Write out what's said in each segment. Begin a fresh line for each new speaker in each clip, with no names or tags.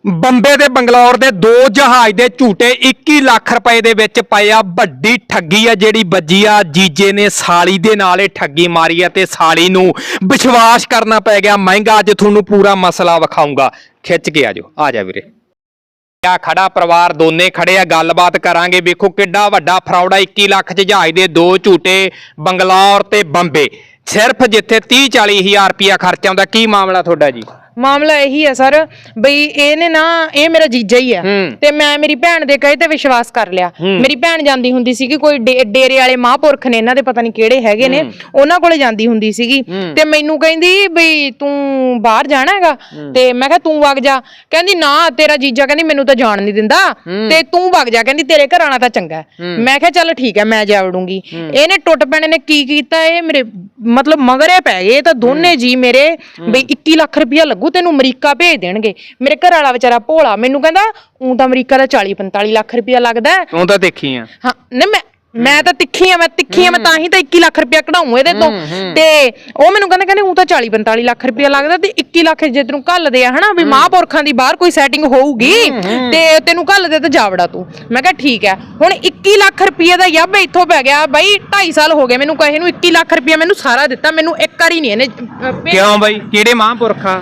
ਬੰਬੇ ਤੇ ਬੰਗਲੌਰ ਦੇ ਦੋ ਜਹਾਜ਼ ਦੇ ਝੂਟੇ 21 ਲੱਖ ਰੁਪਏ ਦੇ ਵਿੱਚ ਪਏ ਆ। ਵੱਡੀ ਠੱਗੀ ਆ ਜਿਹੜੀ ਵੱਜੀ ਆ। ਜੀਜੇ ਨੇ ਸਾਲੀ ਦੇ ਨਾਲ ਇਹ ਠੱਗੀ ਮਾਰੀ ਆ ਤੇ ਸਾਲੀ ਨੂੰ ਵਿਸ਼ਵਾਸ ਕਰਨਾ ਪੈ ਗਿਆ ਮਹਿੰਗਾ। ਅੱਜ ਤੁਹਾਨੂੰ ਪੂਰਾ ਮਸਲਾ ਵਿਖਾਊਂਗਾ, ਖਿੱਚ ਕੇ ਆਜੋ। ਆ ਜਾ ਵੀਰੇ। ਆ ਖੜਾ ਪਰਿਵਾਰ ਦੋਨੇ ਖੜੇ ਆ, ਗੱਲਬਾਤ ਕਰਾਂਗੇ। ਵੇਖੋ ਕਿੱਡਾ ਵੱਡਾ ਫਰਾਡ ਆ। 21 ਲੱਖ ਚ ਜਹਾਜ਼ ਦੇ ਦੋ ਝੂਟੇ ਬੰਗਲੌਰ ਤੇ ਬੰਬੇ, ਸਿਰਫ ਜਿੱਥੇ 30-40 ਹਜ਼ਾਰ ਰੁਪਇਆ ਖਰਚਾ ਆਉਂਦਾ। ਕੀ ਮਾਮਲਾ ਤੁਹਾਡਾ ਜੀ?
ਮਾਮਲਾ ਇਹੀ ਹੈ ਸਰ ਬਈ ਇਹਨੇ ਨਾ, ਇਹ ਮੇਰਾ ਜੀਜਾ ਹੀ ਆ ਤੇ ਮੈਂ ਮੇਰੀ ਭੈਣ ਦੇ ਕਹੇ ਤੇ ਵਿਸ਼ਵਾਸ ਕਰ ਲਿਆ। ਮੇਰੀ ਭੈਣ ਜਾਂਦੀ ਹੁੰਦੀ ਸੀਗੀ ਕੋਈ ਡੇਰੇ ਵਾਲੇ ਮਹਾਂਪੁਰਖ ਨੇ, ਇਹਨਾਂ ਦੇ ਪਤਾ ਨਹੀਂ ਕਿਹੜੇ ਹੈਗੇ ਨੇ, ਉਹਨਾਂ ਕੋਲੇ ਜਾਂਦੀ ਹੁੰਦੀ ਸੀਗੀ ਤੇ ਮੈਨੂੰ ਕਹਿੰਦੀ ਬਈ ਤੂੰ ਬਾਹਰ ਜਾਣਾ ਹੈਗਾ ਤੇ ਮੈਂ ਕਿਹਾ ਤੂੰ ਵਗ ਜਾ। ਕਹਿੰਦੀ ਨਾ ਤੇਰਾ ਜੀਜਾ ਕਹਿੰਦੀ ਮੈਨੂੰ ਤਾਂ ਜਾਣ ਨਹੀਂ ਦਿੰਦਾ ਤੇ ਤੂੰ ਵਗ ਜਾ, ਕਹਿੰਦੀ ਤੇਰੇ ਘਰ ਆਣਾ ਤਾਂ ਚੰਗਾ। ਮੈਂ ਕਿਹਾ ਚੱਲ ਠੀਕ ਹੈ ਮੈਂ ਜਾ ਵੜੂੰਗੀ। ਇਹਨੇ ਟੁੱਟ ਪੈਣੇ ਨੇ ਕੀ ਕੀਤਾ, ਇਹ ਮੇਰੇ ਮਤਲਬ ਮਗਰੇ ਪੈ ਗਏ ਤਾਂ ਦੋਨੇ ਜੀ ਮੇਰੇ ਬਈ 21 ਲੱਖ ਰੁਪਇਆ ਲੱਗੂ ਤੈਨੂੰ ਅਮਰੀਕਾ ਭੇਜ ਦੇਣਗੇ। ਮੇਰੇ ਘਰ ਵਾਲਾ ਵਿਚਾਰਾ ਭੋਲਾ ਮੈਨੂੰ ਕਹਿੰਦਾ ਊਂ ਤਾਂ ਅਮਰੀਕਾ ਦਾ 40-45 ਲੱਖ ਰੁਪਇਆ ਲੱਗਦਾ।
ਤੂੰ ਤਾਂ ਦੇਖੀ ਆ? ਹਾਂ
ਨਹੀਂ ਮੈਂ ਤਾਂ ਤਿੱਖੀ ਆ, ਮੈਂ ਤਾਂ ਹੀ ਤਾਂ 21 ਲੱਖ ਰੁਪਇਆ ਕਢਾਉਂ ਇਹਦੇ ਤੋਂ। ਤੇ ਉਹ ਮੈਨੂੰ ਕਹਿੰਦੇ ਊਂ ਤਾਂ 40-45 ਲੱਖ ਰੁਪਇਆ ਲੱਗਦਾ ਤੇ 21 ਲੱਖ ਜੇ ਤੈਨੂੰ ਘੱਲਦੇ ਆ ਹਨਾ ਵੀ ਮਹਾਂਪੁਰਖਾਂ ਦੀ ਬਾਹਰ ਕੋਈ ਸੈਟਿੰਗ ਹੋਊਗੀ ਤੇ ਤੈਨੂੰ ਘੱਲਦੇ ਤੇ ਜਾਵੜਾ ਤੂੰ। ਮੈਂ ਕਿਹਾ ਠੀਕ ਹੈ। ਹੁਣ 21 ਲੱਖ ਰੁਪਏ ਦਾ ਯੱਬ ਇੱਥੋਂ ਪੈ ਗਿਆ ਬਾਈ। 2.5 ਸਾਲ ਹੋ ਗਏ ਮੈਨੂੰ ਕਹੇ ਨੂੰ। 21 ਲੱਖ ਰੁਪਇਆ ਮੈਨੂੰ ਸਾਰਾ ਦਿੱਤਾ, ਮੈਨੂੰ ਇੱਕ ਵਾਰੀ ਨਹੀਂ ਇਹਨੇ।
ਕਿਉਂ ਬਾਈ? ਕਿਹੜੇ ਮਹਾਂਪੁਰਖਾਂ?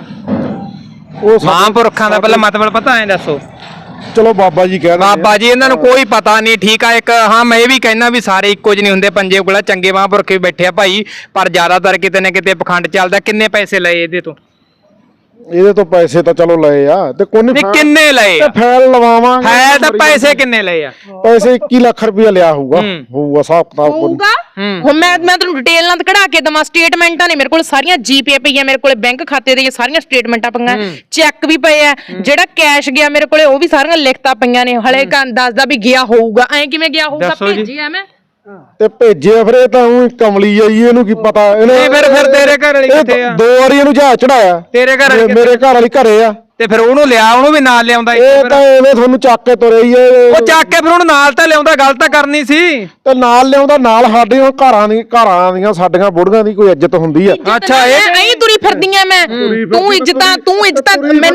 ਉਹ ਮਹਾਂਪੁਰਖਾਂ ਦਾ ਪਹਿਲਾਂ ਮਤਲਬ ਪਤਾ ਐ ਦੱਸੋ?
ਚਲੋ ਬਾਬਾ ਜੀ ਕਹਿ
ਬਾਬਾ ਜੀ ਇਹਨਾਂ ਨੂੰ ਕੋਈ ਪਤਾ ਨਹੀਂ। ਠੀਕ ਆ। ਇੱਕ ਹਾਂ ਮੈਂ ਇਹ ਵੀ ਕਹਿਣਾ ਵੀ ਸਾਰੇ ਇੱਕੋ ਜਿਹੇ ਨਹੀਂ ਹੁੰਦੇ। ਪੰਜੇ ਕੋਲ ਚੰਗੇ ਮਹਾਂਪੁਰਖ ਵੀ ਬੈਠੇ ਆ ਭਾਈ, ਪਰ ਜ਼ਿਆਦਾਤਰ ਕਿਤੇ ਨਾ ਕਿਤੇ ਪਖੰਡ ਚੱਲਦਾ। ਕਿੰਨੇ ਪੈਸੇ ਲਏ ਇਹਦੇ ਤੋਂ?
ਇਹਦੇ ਤੋਂ ਪੈਸੇ ਤਾਂ ਚਲੋ ਲਏ ਆ ਤੇ ਕੋਈ
ਕਿੰਨੇ ਲਏ?
ਫਾਈਲ ਲਵਾਵਾਂਗੇ।
ਹੈ ਤਾਂ ਪੈਸੇ ਕਿੰਨੇ ਲਏ ਆ?
ਪੈਸੇ 21 ਲੱਖ ਰੁਪਇਆ ਲਿਆ ਹੋਊਗਾ ਹਿਸਾਬ ਕਿਤਾਬ
ਹੋਊਗਾ। ਹੁਣ ਮੈਂ ਤੁਹਾਨੂੰ ਡਿਟੇਲ ਨਾਲ ਕਢਾ ਕੇ ਦਵਾਂ। ਸਟੇਟਮੈਂਟਾਂ ਨੇ ਮੇਰੇ ਕੋਲ ਸਾਰੀਆਂ, ਜੀਪੇ ਪਈਆਂ ਮੇਰੇ ਕੋਲੇ, ਬੈਂਕ ਖਾਤੇ ਦੀਆਂ ਸਾਰੀਆਂ ਸਟੇਟਮੈਂਟਾਂ ਪਈਆਂ, ਚੈੱਕ ਵੀ ਪਏ ਆ। ਜਿਹੜਾ ਕੈਸ਼ ਗਿਆ ਮੇਰੇ ਕੋਲੇ ਉਹ ਵੀ ਸਾਰੀਆਂ ਲਿਖਤਾਂ ਪਈਆਂ ਨੇ। ਹਲੇ ਦੱਸਦਾ ਵੀ ਗਿਆ ਹੋਊਗਾ। ਐ ਕਿਵੇਂ ਗਿਆ ਹੋਊਗਾ? ਭੇਜਿਆ ਮੈਂ
ਤੇ ਭੇਜਿਆ ਫਿਰ। ਇਹ ਤਾਂ ਉਹ ਕਮਲੀ ਆਈ, ਇਹਨੂੰ ਕੀ ਪਤਾ। ਇਹਨੇ
ਫਿਰ ਤੇਰੇ ਘਰ ਵਾਲੀ ਕਿੱਥੇ ਆ?
2 ਵਾਰੀ ਇਹਨੂੰ ਜਹਾਜ਼ ਚੜਾਇਆ।
ਤੇਰੇ ਘਰ ਵਾਲੀ?
ਮੇਰੇ ਘਰ ਵਾਲੀ ਘਰੇ ਆ।
ਤੇ ਫਿਰ ਉਹਨੂੰ ਲਿਆ, ਉਹਨੂੰ ਵੀ ਨਾਲ ਲਿਆਉਂਦਾ।
ਇਹ ਤਾਂ ਐਵੇਂ ਤੁਹਾਨੂੰ ਚੱਕ ਕੇ ਤੁਰੇ ਹੀ।
ਉਹ ਚੱਕ ਕੇ ਫਿਰ ਉਹਨੂੰ ਨਾਲ ਤਾਂ ਲਿਆਉਂਦਾ, ਗੱਲ ਤਾਂ ਕਰਨੀ ਸੀ।
ਤੇ ਨਾਲ ਲਿਆਉਂਦਾ, ਨਾਲ ਸਾਡੇ ਘਰਾਂ ਦੀਆਂ ਸਾਡੀਆਂ ਬੁੜੀਆਂ ਦੀ ਕੋਈ ਇੱਜ਼ਤ ਹੁੰਦੀ ਆ।
ਅੱਛਾ ਇਹ
ਤੁਰੀ ਫਿਰਦੀਆਂ ਮੈਂ। ਤੂੰ ਇੱਜ਼ਤਾਂ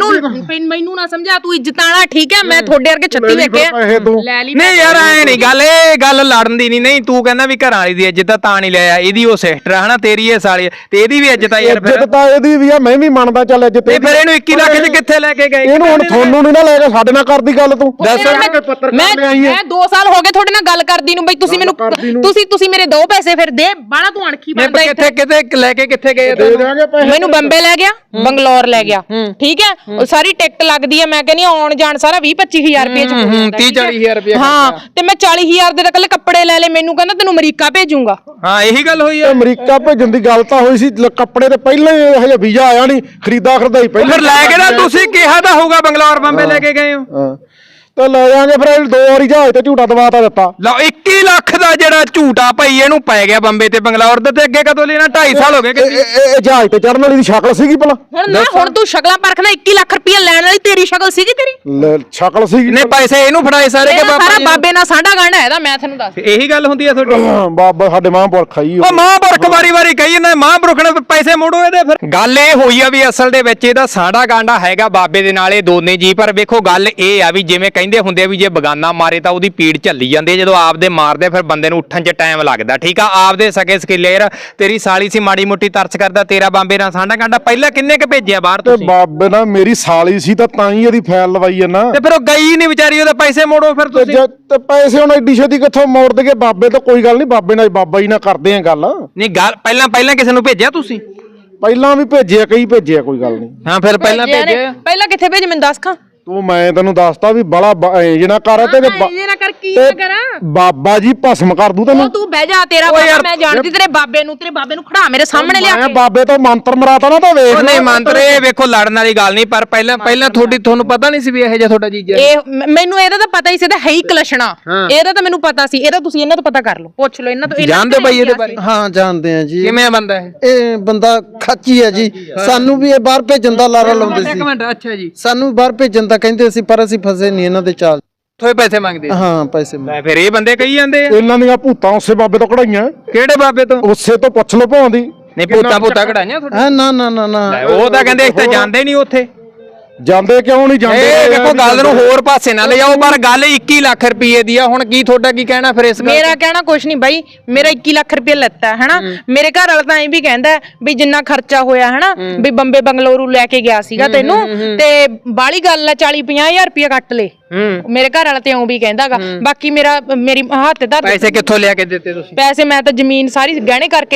ਮੈਨੂੰ ਨਾ ਸਮਝਾ। ਤੂੰ ਇੱਜ਼ਤਾਂ ਵਾਲਾ ਠੀਕ ਹੈ। ਮੈਂ ਤੁਹਾਡੇ ਵਰਗੇ 36 ਵੇਖੇ ਲੈ ਲਈ।
ਨਹੀਂ ਯਾਰ ਐ ਨਹੀਂ ਗੱਲ, ਇਹ ਗੱਲ ਲੜਨ ਦੀ ਨਹੀਂ। ਤੂੰ ਕਹਿੰਦਾ ਵੀ ਘਰਾਂ ਵਾਲੀ ਦੀ ਇੱਜ਼ਤ ਤਾਂ ਨਹੀਂ ਲਿਆ। ਇਹਦੀ ਉਹ ਸਿਸਟਰ ਹਨਾ, ਤੇਰੀ ਇਹ ਸਾਲੀ ਤੇ ਇਹਦੀ ਵੀ ਇੱਜ਼ਤ ਆ ਯਾਰ। ਫਿਰ
ਇੱਜ਼ਤ ਤਾਂ ਇਹਦੀ ਵੀ ਆ, ਮੈਂ ਵੀ ਮੰਨਦਾ ਚੱਲ ਇੱਜ਼ਤ।
ਤੇ ਫਿਰ ਇਹਨੂੰ 21 ਲੱਖ ਚ ਕਿੱਥੇ ਲੈ ਕੇ ਗਏ?
ਇਹਨੂੰ ਹੁਣ ਤੁਹਾਨੂੰ ਨਹੀਂ ਨਾ ਲੈ ਕੇ ਸਾਡੇ ਨਾਲ ਕਰਦੀ ਗੱਲ। ਤੂੰ
ਦੱਸ। ਮੈਂ 2 ਸਾਲ ਹੋ ਗਏ ਤੁਹਾਡੇ ਨਾਲ ਗੱਲ ਕਰਦੀ ਨੂੰ ਬਈ। ਤੁਸੀਂ ਮੈਨੂੰ ਤੁਸੀਂ ਮੇਰੇ ਦੋ ਪੈਸੇ ਫਿਰ ਦੇ। ਬਾਣਾ ਤੂੰ ਅਣਖੀ ਬਣਦਾ।
ਕਿੱਥੇ ਲੈ ਕੇ ਕਿੱਥੇ ਗਏ?
ਮੈਨੂੰ ਬੰਬੇ ਲੈ ਗਿਆ, ਬੰਗਲੌਰ ਲੈ ਗਿਆ। ਠੀਕ ਹੈ। ਉਹ ਸਾਰੀ ਟਿਕਟ ਲੱਗਦੀ ਹੈ। ਮੈਂ ਕਹਿੰਦੀ ਆਉਣ ਜਾਣ ਸਾਰਾ 20-25 ਹਜ਼ਾਰ ਰੁਪਏ ਚ
30-40 ਹਜ਼ਾਰ ਰੁਪਏ।
ਹਾਂ ਤੇ ਮੈਂ 40 ਹਜ਼ਾਰ ਦੇ ਕੱਲੇ ਕੱਪੜੇ ਲੈ ਲਏ। ਮੈਨੂੰ ਕਹਿੰਦਾ ਤੈਨੂੰ ਅਮਰੀਕਾ ਭੇਜੂਗਾ।
ਹਾਂ ਇਹੀ ਗੱਲ ਹੋਈ ਆ।
ਅਮਰੀਕਾ ਭੇਜਣ ਦੀ ਗੱਲ ਤਾਂ ਹੋਈ ਸੀ। ਕੱਪੜੇ ਤੇ ਪਹਿਲਾਂ ਹੀ ਹਜੇ ਵੀਜ਼ਾ ਆਇਆ ਨਹੀਂ, ਖਰੀਦਾਈ ਪਹਿਲਾਂ।
ਫਿਰ ਲੈ ਕੇ ਨਾ ਤੁਸੀਂ ਕਿਹਾ ਤਾਂ ਹੋਊਗਾ ਬੰਗਲੌਰ ਬੰਬੇ ਲੈ ਕੇ ਗਏ ਹੋ।
ਤੇ ਲੈ ਜਾਾਂਗੇ ਫਿਰ। 2 ਵਾਰੀ ਜਹਾਜ਼ ਤੇ ਝੂਟਾ ਦਵਾਤਾ ਦਿੱਤਾ।
ਲਓ 21 ਲੱਖ ਦਾ ਜਿਹੜਾ ਝੂਟਾ ਭਾਈ ਇਹਨੂੰ ਪੈ ਗਿਆ ਬੰਬੇ ਤੇ ਬੰਗਲੌਰ ਦੇ। ਤੇ ਅੱਗੇ ਕਦੋਂ ਲੈਣਾ? 2.5 ਸਾਲ ਹੋ ਗਏ।
ਇਹ ਜਹਾਜ਼ ਤੇ ਚੜਨ ਵਾਲੀ ਦੀ ਸ਼ਕਲ ਸੀਗੀ ਭਲਾ?
ਹੁਣ ਤੂੰ ਸ਼ਕਲਾਂ ਪਰਖਣਾ। 21 ਲੱਖ ਰੁਪਏ ਲੈਣ ਵਾਲੀ ਤੇਰੀ ਸ਼ਕਲ ਸੀਗੀ? ਤੇਰੀ
ਸ਼ਕਲ ਸੀਗੀ।
ਨੇ ਪੈਸੇ ਇਹਨੂੰ ਫੜਾਏ ਸਾਰੇ ਕਿ
ਸਾਰਾ ਬਾਬੇ ਨਾਲ ਸਾਡਾ ਗਾਂਢਾ ਇਹਦਾ। ਮੈਂ ਤੁਹਾਨੂੰ ਦੱਸ
ਇਹੀ ਗੱਲ ਹੁੰਦੀ ਆ ਤੁਹਾਡੀ?
ਬਾਬਾ ਸਾਡੇ ਮਹਾਂਪੁਰਖ ਆਈ।
ਉਹ ਮਹਾਂਪੁਰਖ ਵਾਰੀ ਕਹੀ ਜਾਂਦਾ ਮਹਾਂਪੁਰਖ ਨੇ ਪੈਸੇ ਮੋੜੋ ਇਹਦੇ। ਫਿਰ ਗੱਲ ਇਹ ਹੋਈ ਆ ਵੀ ਅਸਲ ਦੇ ਵਿੱਚ ਇਹਦਾ ਸਾਡਾ ਗਾਂਢਾ ਹੈਗਾ ਬਾਬੇ ਦੇ ਨਾਲ, ਇਹ ਦੋਨੇ ਜੀ। ਪਰ ਵੇਖੋ ਗੱਲ ਇਹ ਆ ਵੀ ਜਿਵੇਂ ਕਹਿੰਦੇ ਹੁੰਦੇ ਆ ਵੀ ਜੇ ਬਗਾਨਾ ਮਾਰੇ ਤਾਂ ਉਹਦੀ ਪੀੜ ਝੱਲੀ ਜਾਂਦੀ ਹੈ। ਜਦੋਂ ਆਪਦੇ ਮਾਰਦੇ ਫਿਰ ਬੰਦੇ ਨੂੰ ਉੱਠਣ 'ਚ ਟਾਈਮ ਲੱਗਦਾ। ਠੀਕ ਆ। ਆਪਦੇ ਸਕੇ ਸਕੀਲੇਰ ਤੇਰੀ ਸਾਲੀ ਸੀ, ਮਾੜੀ ਮੋਟੀ ਤਰਸ ਕਰਦਾ। ਤੇਰਾ ਬਾਬੇ ਨਾਲ ਸਾਡਾ ਗਾਂਢਾ ਪਹਿਲਾਂ ਕਿੰਨੇ ਕ ਭੇਜਿਆ ਬਾਹਰ ਤੁਸੀਂ?
ਬਾਬੇ ਨਾਲ ਮੇਰੀ ਸਾਲੀ ਸੀ ਤਾਂ ਹੀ ਇਹਦੀ ਫਾਈਲ ਲਵਾਈ ਆ ਨਾ।
ਤੇ ਫਿਰ ਉਹ ਗਈ ਨਹੀਂ ਵਿਚਾਰੀ, ਉਹਦੇ ਪੈਸੇ ਮੋੜੋ ਫਿਰ ਤੁਸੀਂ।
ਤੇ ਪੈਸੇ ਹੁਣ ਐਡੀ ਛੇਤੀ ਕਿੱਥੋਂ ਮੋੜ ਦੇਗੇ? ਬਾਬੇ ਤੋਂ ਕੋਈ ਗੱਲ ਨਹੀਂ, ਬਾਬੇ ਨਾਲ ਬਾਬਾ ਜੀ ਨਾਲ ਕਰਦੇ ਆ ਗੱਲ।
ਨਹੀਂ ਗੱਲ ਪਹਿਲਾਂ ਕਿਸੇ ਨੂੰ ਭੇਜਿਆ ਤੁਸੀਂ?
ਪਹਿਲਾਂ ਵੀ ਭੇਜਿਆ, ਕਈ ਭੇਜਿਆ, ਕੋਈ ਗੱਲ ਨਹੀਂ।
ਹਾਂ ਫਿਰ ਪਹਿਲਾਂ ਭੇਜਿਆ।
ਪਹਿਲਾਂ ਕਿੱਥੇ ਭੇਜ ਮੈਨੂੰ ਦੱਸ ਖਾਂ।
ਤੂੰ ਮੈਂ ਤੈਨੂੰ ਦੱਸਦਾ ਵੀ ਬੜਾ ਜਿਹੜਾ ਕਰ ਤੇ ਬਾਬਾ ਜੀ ਭਸਮ ਕਰ ਦੂ ਤੈਨੂੰ।
ਤੂੰ ਬਹਿ ਜਾ। ਤੇਰਾ ਬਾਬਾ ਮੈਂ ਜਾਣਦੀ ਤੇਰੇ ਬਾਬੇ ਨੂੰ ਖੜਾ ਮੇਰੇ ਸਾਹਮਣੇ ਲਿਆ ਕੇ।
ਬਾਬੇ ਤੋਂ ਮੰਤਰ ਮਰਾਤਾ ਨਾ ਤਾਂ ਵੇਖ।
ਨਹੀਂ ਮੰਤਰ ਇਹ ਵੇਖੋ ਲੜਨ ਵਾਲੀ ਗੱਲ ਨਹੀਂ। ਪਰ ਪਹਿਲਾਂ ਤੁਹਾਨੂੰ ਪਤਾ ਨਹੀਂ ਸੀ ਵੀ ਇਹ ਜਿਹਾ ਤੁਹਾਡਾ ਜੀਜਾ?
ਮੈਨੂੰ ਇਹਦਾ ਤਾਂ ਪਤਾ ਹੀ ਸੀ। ਇਹਦਾ ਹੈ ਹੀ ਕਲਸ਼ਣਾ। ਇਹਦਾ ਤਾਂ ਮੈਨੂੰ ਪਤਾ ਸੀ। ਇਹਦਾ ਤੁਸੀਂ ਇਹਨਾਂ ਤੋਂ ਪਤਾ ਕਰ ਲਓ, ਪੁੱਛ ਲਓ ਇਹਨਾਂ ਤੋਂ।
ਜਾਣਦੇ ਬਾਈ ਇਹਦੇ ਬਾਰੇ?
ਹਾਂ ਜਾਣਦੇ ਆ ਜੀ।
ਕਿਵੇਂ ਬੰਦਾ
ਇਹ ਬੰਦਾ ਖਾਚੀ ਹੈ ਜੀ। ਸਾਨੂੰ ਵੀ ਇਹ ਬਾਹਰ ਭੇਜਣ ਦਾ ਲਾਰਾ ਲਾਉਂਦੇ ਸੀ।
ਇੱਕ ਮਿੰਟ। ਅੱਛਾ ਜੀ।
ਸਾਨੂੰ ਬਾਹਰ ਭੇਜਣ ਦਾ ਕਹਿੰਦੇ ਸੀ ਪਰ ਅਸੀਂ ਫਸੇ ਨਹੀਂ ਇਹਨਾਂ ਦੇ ਚਾਲ।
ਥੋੜੇ ਪੈਸੇ ਮੰਗਦੇ?
ਹਾਂ ਪੈਸੇ
ਲੈ ਫਿਰ ਇਹ ਬੰਦੇ ਕਹੀ ਜਾਂਦੇ ਆ
ਇਹਨਾਂ ਦੀਆਂ ਭੂਤਾਂ ਉਸੇ ਬਾਬੇ ਤੋਂ ਕਢਾਈਆਂ।
ਕਿਹੜੇ ਬਾਬੇ ਤੋਂ?
ਉਸੇ ਤੋਂ ਪੁੱਛ ਲਓ ਭਾਉਂਦੀ।
ਨਹੀਂ ਭੂਤਾਂ ਕਢਾਈਆਂ ਤੁਹਾਡੇ?
ਨਾ
ਉਹ ਤਾਂ ਕਹਿੰਦੇ ਅਸੀਂ ਤਾਂ ਜਾਂਦੇ ਨਹੀਂ ਉੱਥੇ।
ਜਾਂਦੇ ਕਿਉਂ ਨਹੀਂ ਜਾਂਦੇ?
ਇਹ ਦੇਖੋ ਗੱਲ ਨੂੰ ਹੋਰ ਪਾਸੇ ਨਾ ਲੈ ਜਾਓ, ਪਰ ਗੱਲ 21 ਲੱਖ ਰੁਪਏ ਦੀ ਆ। ਹੁਣ ਕੀ ਤੁਹਾਡਾ ਕੀ ਕਹਿਣਾ ਫਿਰ ਇਸ ਗੱਲ
ਮੇਰਾ ਕਹਿਣਾ ਕੁਛ ਨਹੀਂ ਬਾਈ, ਮੇਰਾ 21 ਲੱਖ ਰੁਪਏ ਲੱਤਾ ਹਨਾ। ਮੇਰੇ ਘਰ ਵਾਲਾ ਤਾਂ ਐਂ ਵੀ ਕਹਿੰਦਾ ਵੀ ਜਿੰਨਾ ਖਰਚਾ ਹੋਇਆ ਹਨਾ ਵੀ ਬੰਬੇ ਬੰਗਲੌਰੂ ਲੈ ਕੇ ਗਿਆ ਸੀਗਾ ਤੈਨੂੰ, ਤੇ ਬਾਲੀ ਗੱਲ ਆ 40-50 ਹਜ਼ਾਰ ਰੁਪਏ ਕੱਟ ਲੇ। ਮੇਰੇ ਘਰ ਵਾਲਾ ਤੇ ਇਉਂ ਵੀ ਕਹਿੰਦਾਗਾ। ਬਾਕੀ ਮੇਰੀ ਹੱਥ ਧਰ
ਪੈਸੇ ਕਿੱਥੋਂ ਲਿਆ ਕੇ ਦਿੱਤੇ ਤੁਸੀਂ?
ਪੈਸੇ ਮੈਂ ਤਾਂ ਜ਼ਮੀਨ ਸਾਰੀ ਗਹਿਣੇ ਕਰਕੇ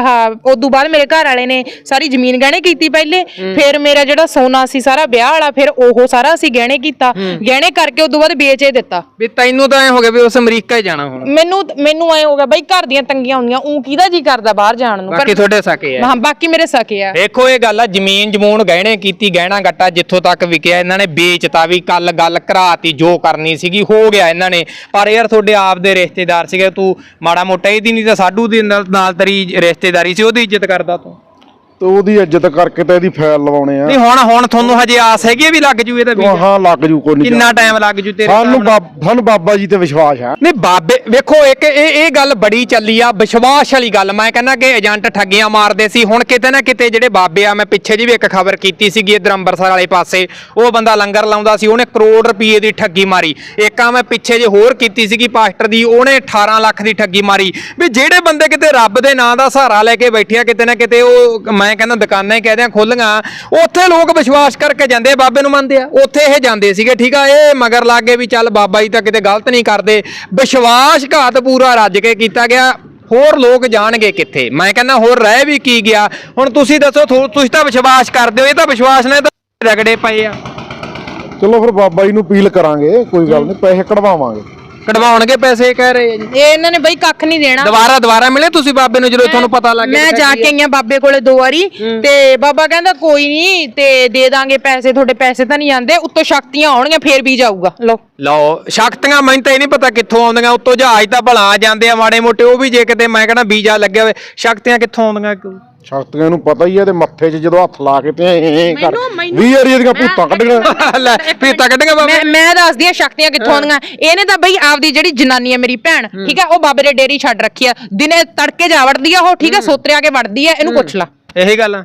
ਉਦੋਂ ਬਾਅਦ ਮੇਰੇ ਘਰ ਵਾਲੇ ਨੇ ਸਾਰੀ ਜ਼ਮੀਨ ਗਹਿਣੇ ਕੀਤੀ ਪਹਿਲੇ, ਫਿਰ ਮੇਰਾ ਜਿਹੜਾ ਸੋਨਾ ਸੀ ਸਾਰਾ ਵਿਆਹ ਵਾਲਾ, ਫਿਰ ਉਹ ਸਾਰਾ ਅਸੀਂ ਗਹਿਣੇ ਕੀਤਾ, ਗਹਿਣੇ ਕਰਕੇ ਉਦੋਂ ਬਾਅਦ ਵੇਚੇ ਦਿੱਤਾ।
ਵੀ ਤੈਨੂੰ ਤਾਂ ਐ ਹੋ ਗਿਆ ਵੀ ਉਸ ਅਮਰੀਕਾ ਹੀ ਜਾਣਾ ਹੁਣ।
ਮੈਨੂੰ ਐ ਹੋ ਗਿਆ ਬਾਈ, ਘਰ ਦੀਆਂ ਤੰਗੀਆਂ ਹੁੰਦੀਆਂ, ਕਿਹਦਾ ਜੀ ਕਰਦਾ ਬਾਹਰ ਜਾਣ ਨੂੰ।
ਬਾਕੀ ਤੁਹਾਡੇ ਸਕੇ ਆ?
ਹਾਂ ਬਾਕੀ ਮੇਰੇ ਸਕੇ ਆ।
ਦੇਖੋ ਇਹ ਗੱਲ ਆ, ਜ਼ਮੀਨ ਜਮੂਨ ਗਹਿਣੇ ਕੀਤੀ, ਗਹਿਣਾ ਗੱਟਾ ਜਿੱਥੋਂ ਤੱਕ ਵਿਕਿਆ ਇਹਨਾਂ ਨੇ ਵੇਚਤਾ। ਵੀ ਕੱਲ ਗੱਲ ਘਰਾਤੀ, ਜੋ ਕਰਨੀ ਸੀਗੀ ਹੋ ਗਿਆ ਇਹਨਾਂ ਨੇ। ਪਰ ਯਾਰ ਤੁਹਾਡੇ ਆਪ ਦੇ ਰਿਸ਼ਤੇਦਾਰ ਸੀਗੇ, ਤੂੰ ਮਾੜਾ ਮੋਟਾ ਇਹਦੀ ਨਹੀਂ ਤਾਂ ਸਾਡੂ ਦੀ ਨਾਲ ਤੇਰੀ ਰਿਸ਼ਤੇਦਾਰੀ ਸੀ, ਉਹਦੀ ਇੱਜ਼ਤ ਕਰਦਾ ਤੂੰ।
ਤੇ ਉਹਦੀ ਇੱਜ਼ਤ ਕਰਕੇ ਤੇ ਇਹਦੀ ਫਾਈਲ ਲਵਾਉਣੇ ਆ।
ਨਹੀਂ ਹੁਣ ਤੁਹਾਨੂੰ ਹਜੇ ਆਸ ਹੈਗੀ ਆ ਵੀ ਲੱਗ ਜੂ ਇਹਦਾ ਵੀਜ਼ਾ?
ਹਾਂ ਲੱਗ ਜੂ, ਕੋਈ ਨਹੀਂ।
ਕਿੰਨਾ ਟਾਈਮ ਲੱਗ ਜੂ ਤੇਰੇ?
ਸਾਨੂੰ ਬਾਬਾ ਜੀ ਤੇ ਵਿਸ਼ਵਾਸ ਆ।
ਨਹੀਂ ਬਾਬੇ ਵੇਖੋ, ਇੱਕ ਇਹ ਗੱਲ ਬੜੀ ਚੱਲੀ ਆ, ਵਿਸ਼ਵਾਸ ਵਾਲੀ ਗੱਲ। ਮੈਂ ਕਹਿੰਦਾ ਕਿ ਏਜੰਟ ਠੱਗੀਆਂ ਮਾਰਦੇ ਸੀ। ਹੁਣ ਕਿਤੇ ਨਾ ਕਿਤੇ ਜਿਹੜੇ ਬਾਬੇ ਆ, ਮੈਂ ਪਿੱਛੇ ਜੀ ਵੀ ਇੱਕ ਖਬਰ ਕੀਤੀ ਸੀਗੀ ਇੱਧਰ ਅੰਮ੍ਰਿਤਸਰ ਵਾਲੇ ਪਾਸੇ, ਉਹ ਬੰਦਾ ਲੰਗਰ ਲਾਉਂਦਾ ਸੀ, ਉਹਨੇ ਕਰੋੜ ਰੁਪਏ ਦੀ ਠੱਗੀ ਮਾਰੀ। ਇੱਕ ਆ ਮੈਂ ਪਿੱਛੇ ਜੇ ਹੋਰ ਕੀਤੀ ਸੀਗੀ ਪਾਸਟਰ ਦੀ, ਉਹਨੇ 18 ਲੱਖ ਦੀ ਠੱਗੀ ਮਾਰੀ। ਵੀ ਜਿਹੜੇ ਬੰਦੇ ਕਿਤੇ ਰੱਬ ਦੇ ਨਾਂ ਦਾ ਸਹਾਰਾ ਲੈ ਕੇ ਬੈਠੇ ਆ, ਕਿਤੇ ਨਾ ਕਿਤੇ ਉਹ ਮੈਂ ਕਹਿੰਦਾ ਦੁਕਾਨਾਂ ਕਹਦੇ ਆ ਖੋਲੀਆਂ, ਉੱਥੇ ਲੋਕ ਵਿਸ਼ਵਾਸ ਕਰਕੇ ਜਾਂਦੇ ਆ, ਬਾਬੇ ਨੂੰ ਮੰਨਦੇ ਆ। ਉੱਥੇ ਇਹ ਜਾਂਦੇ ਸੀਗੇ, ਠੀਕ ਆ, ਇਹ ਮਗਰ ਲੱਗ ਗਏ ਵੀ ਚੱਲ ਬਾਬਾ ਜੀ ਤਾਂ ਕਿਤੇ ਗਲਤ ਨਹੀਂ ਕਰਦੇ। ਵਿਸ਼ਵਾਸਘਾਤ ਪੂਰਾ ਰੱਜ ਕੇ ਕੀਤਾ ਗਿਆ। ਹੋਰ ਲੋਕ ਜਾਣਗੇ ਕਿੱਥੇ? ਮੈਂ ਕਹਿੰਦਾ ਹੋਰ ਰਹਿ ਵੀ ਕੀ ਗਿਆ। ਹੁਣ ਤੁਸੀਂ ਦੱਸੋ, ਤੁਸੀਂ ਤਾਂ ਵਿਸ਼ਵਾਸ ਕਰਦੇ ਹੋ, ਇਹ ਤਾਂ ਵਿਸ਼ਵਾਸ ਨੇ ਤਾਂ ਰਗੜੇ ਪਏ ਆ।
ਚਲੋ ਫਿਰ ਬਾਬਾ ਜੀ ਨੂੰ ਅਪੀਲ ਕਰਾਂਗੇ, ਕੋਈ ਗੱਲ ਨਹੀਂ, ਪੈਸੇ ਕਢਵਾਵਾਂਗੇ।
ਕਢਵਾਉਣਗੇ ਪੈਸੇ ਕਹਿ ਰਹੇ ਆ ਜੀ।
ਇਹ ਇਹਨਾਂ ਨੇ ਬਈ ਕੱਖ ਨਹੀਂ ਦੇਣਾ।
ਦੁਬਾਰਾ ਮਿਲੇ ਤੁਸੀਂ ਬਾਬੇ ਨੂੰ ਜਦੋਂ ਤੁਹਾਨੂੰ ਪਤਾ ਲੱਗ ਗਿਆ?
ਮੈਂ ਜਾ ਕੇ ਆਈਆਂ ਬਾਬੇ ਕੋਲੇ 2 ਵਾਰੀ, ਤੇ ਬਾਬਾ ਕਹਿੰਦਾ ਕੋਈ ਨਹੀਂ ਤੇ ਦੇ ਦਾਂਗੇ ਪੈਸੇ, ਤੁਹਾਡੇ ਪੈਸੇ ਤਾਂ ਨਹੀਂ ਜਾਂਦੇ, ਉੱਤੋਂ ਸ਼ਕਤੀਆਂ ਆਉਣਗੀਆਂ ਫੇਰ ਵੀ ਜਾਊਗਾ। ਲਓ
ਸ਼ਕਤੀਆਂ, ਮੈਨੂੰ ਤਾਂ ਇਹ ਨਹੀਂ ਪਤਾ ਕਿੱਥੋਂ ਆਉਂਦੀਆਂ। ਉੱਤੋਂ ਜਹਾਜ਼ ਤਾਂ ਭਲਾ ਜਾਂਦੇ ਆ ਮਾੜੇ ਮੋਟੇ, ਉਹ ਵੀ ਜੇ ਕਿਤੇ ਮੈਂ ਕਹਿੰਦਾ ਵੀਜ਼ਾ ਲੱਗਿਆ ਹੋਵੇ, ਸ਼ਕਤੀਆਂ ਕਿੱਥੋਂ ਆਉਂਦੀਆਂ?
ਸ਼ਕਤੀਆਂ ਨੂੰ ਪਤਾ ਹੀ ਹੈ, ਤੇ ਮੱਥੇ 'ਚ ਜਦੋਂ ਹੱਥ ਲਾ ਕੇ ਤੇ ਕਰ 20 ਵਾਰੀ ਇਹਦੀਆਂ ਭੂਤਾਂ ਕੱਢੀਆਂ।
ਲੈ ਭੂਤਾਂ ਕੱਢੀਆਂ ਬਾਬੇ।
ਮੈਂ ਦੱਸਦੀ ਆ ਸ਼ਕਤੀਆਂ ਕਿੱਥੋਂ ਆਉਂਦੀਆਂ। ਇਹਨੇ ਤਾਂ ਬਈ ਆਪਦੀ ਜਿਹੜੀ ਜਨਾਨੀ ਆ ਮੇਰੀ ਭੈਣ, ਠੀਕ ਆ, ਉਹ ਬਾਬੇ ਦੇ ਡੇਰੀ ਛੱਡ ਰੱਖੀ ਆ। ਦਿਨੇ ਤੜਕੇ ਜਾ ਵੜਦੀ ਆ ਉਹ, ਠੀਕ ਆ, ਸੋਤਰਿਆ ਕੇ ਵੜਦੀ ਆ। ਇਹਨੂੰ ਪੁੱਛ ਲਾ।
ਇਹੀ ਗੱਲ ਆ।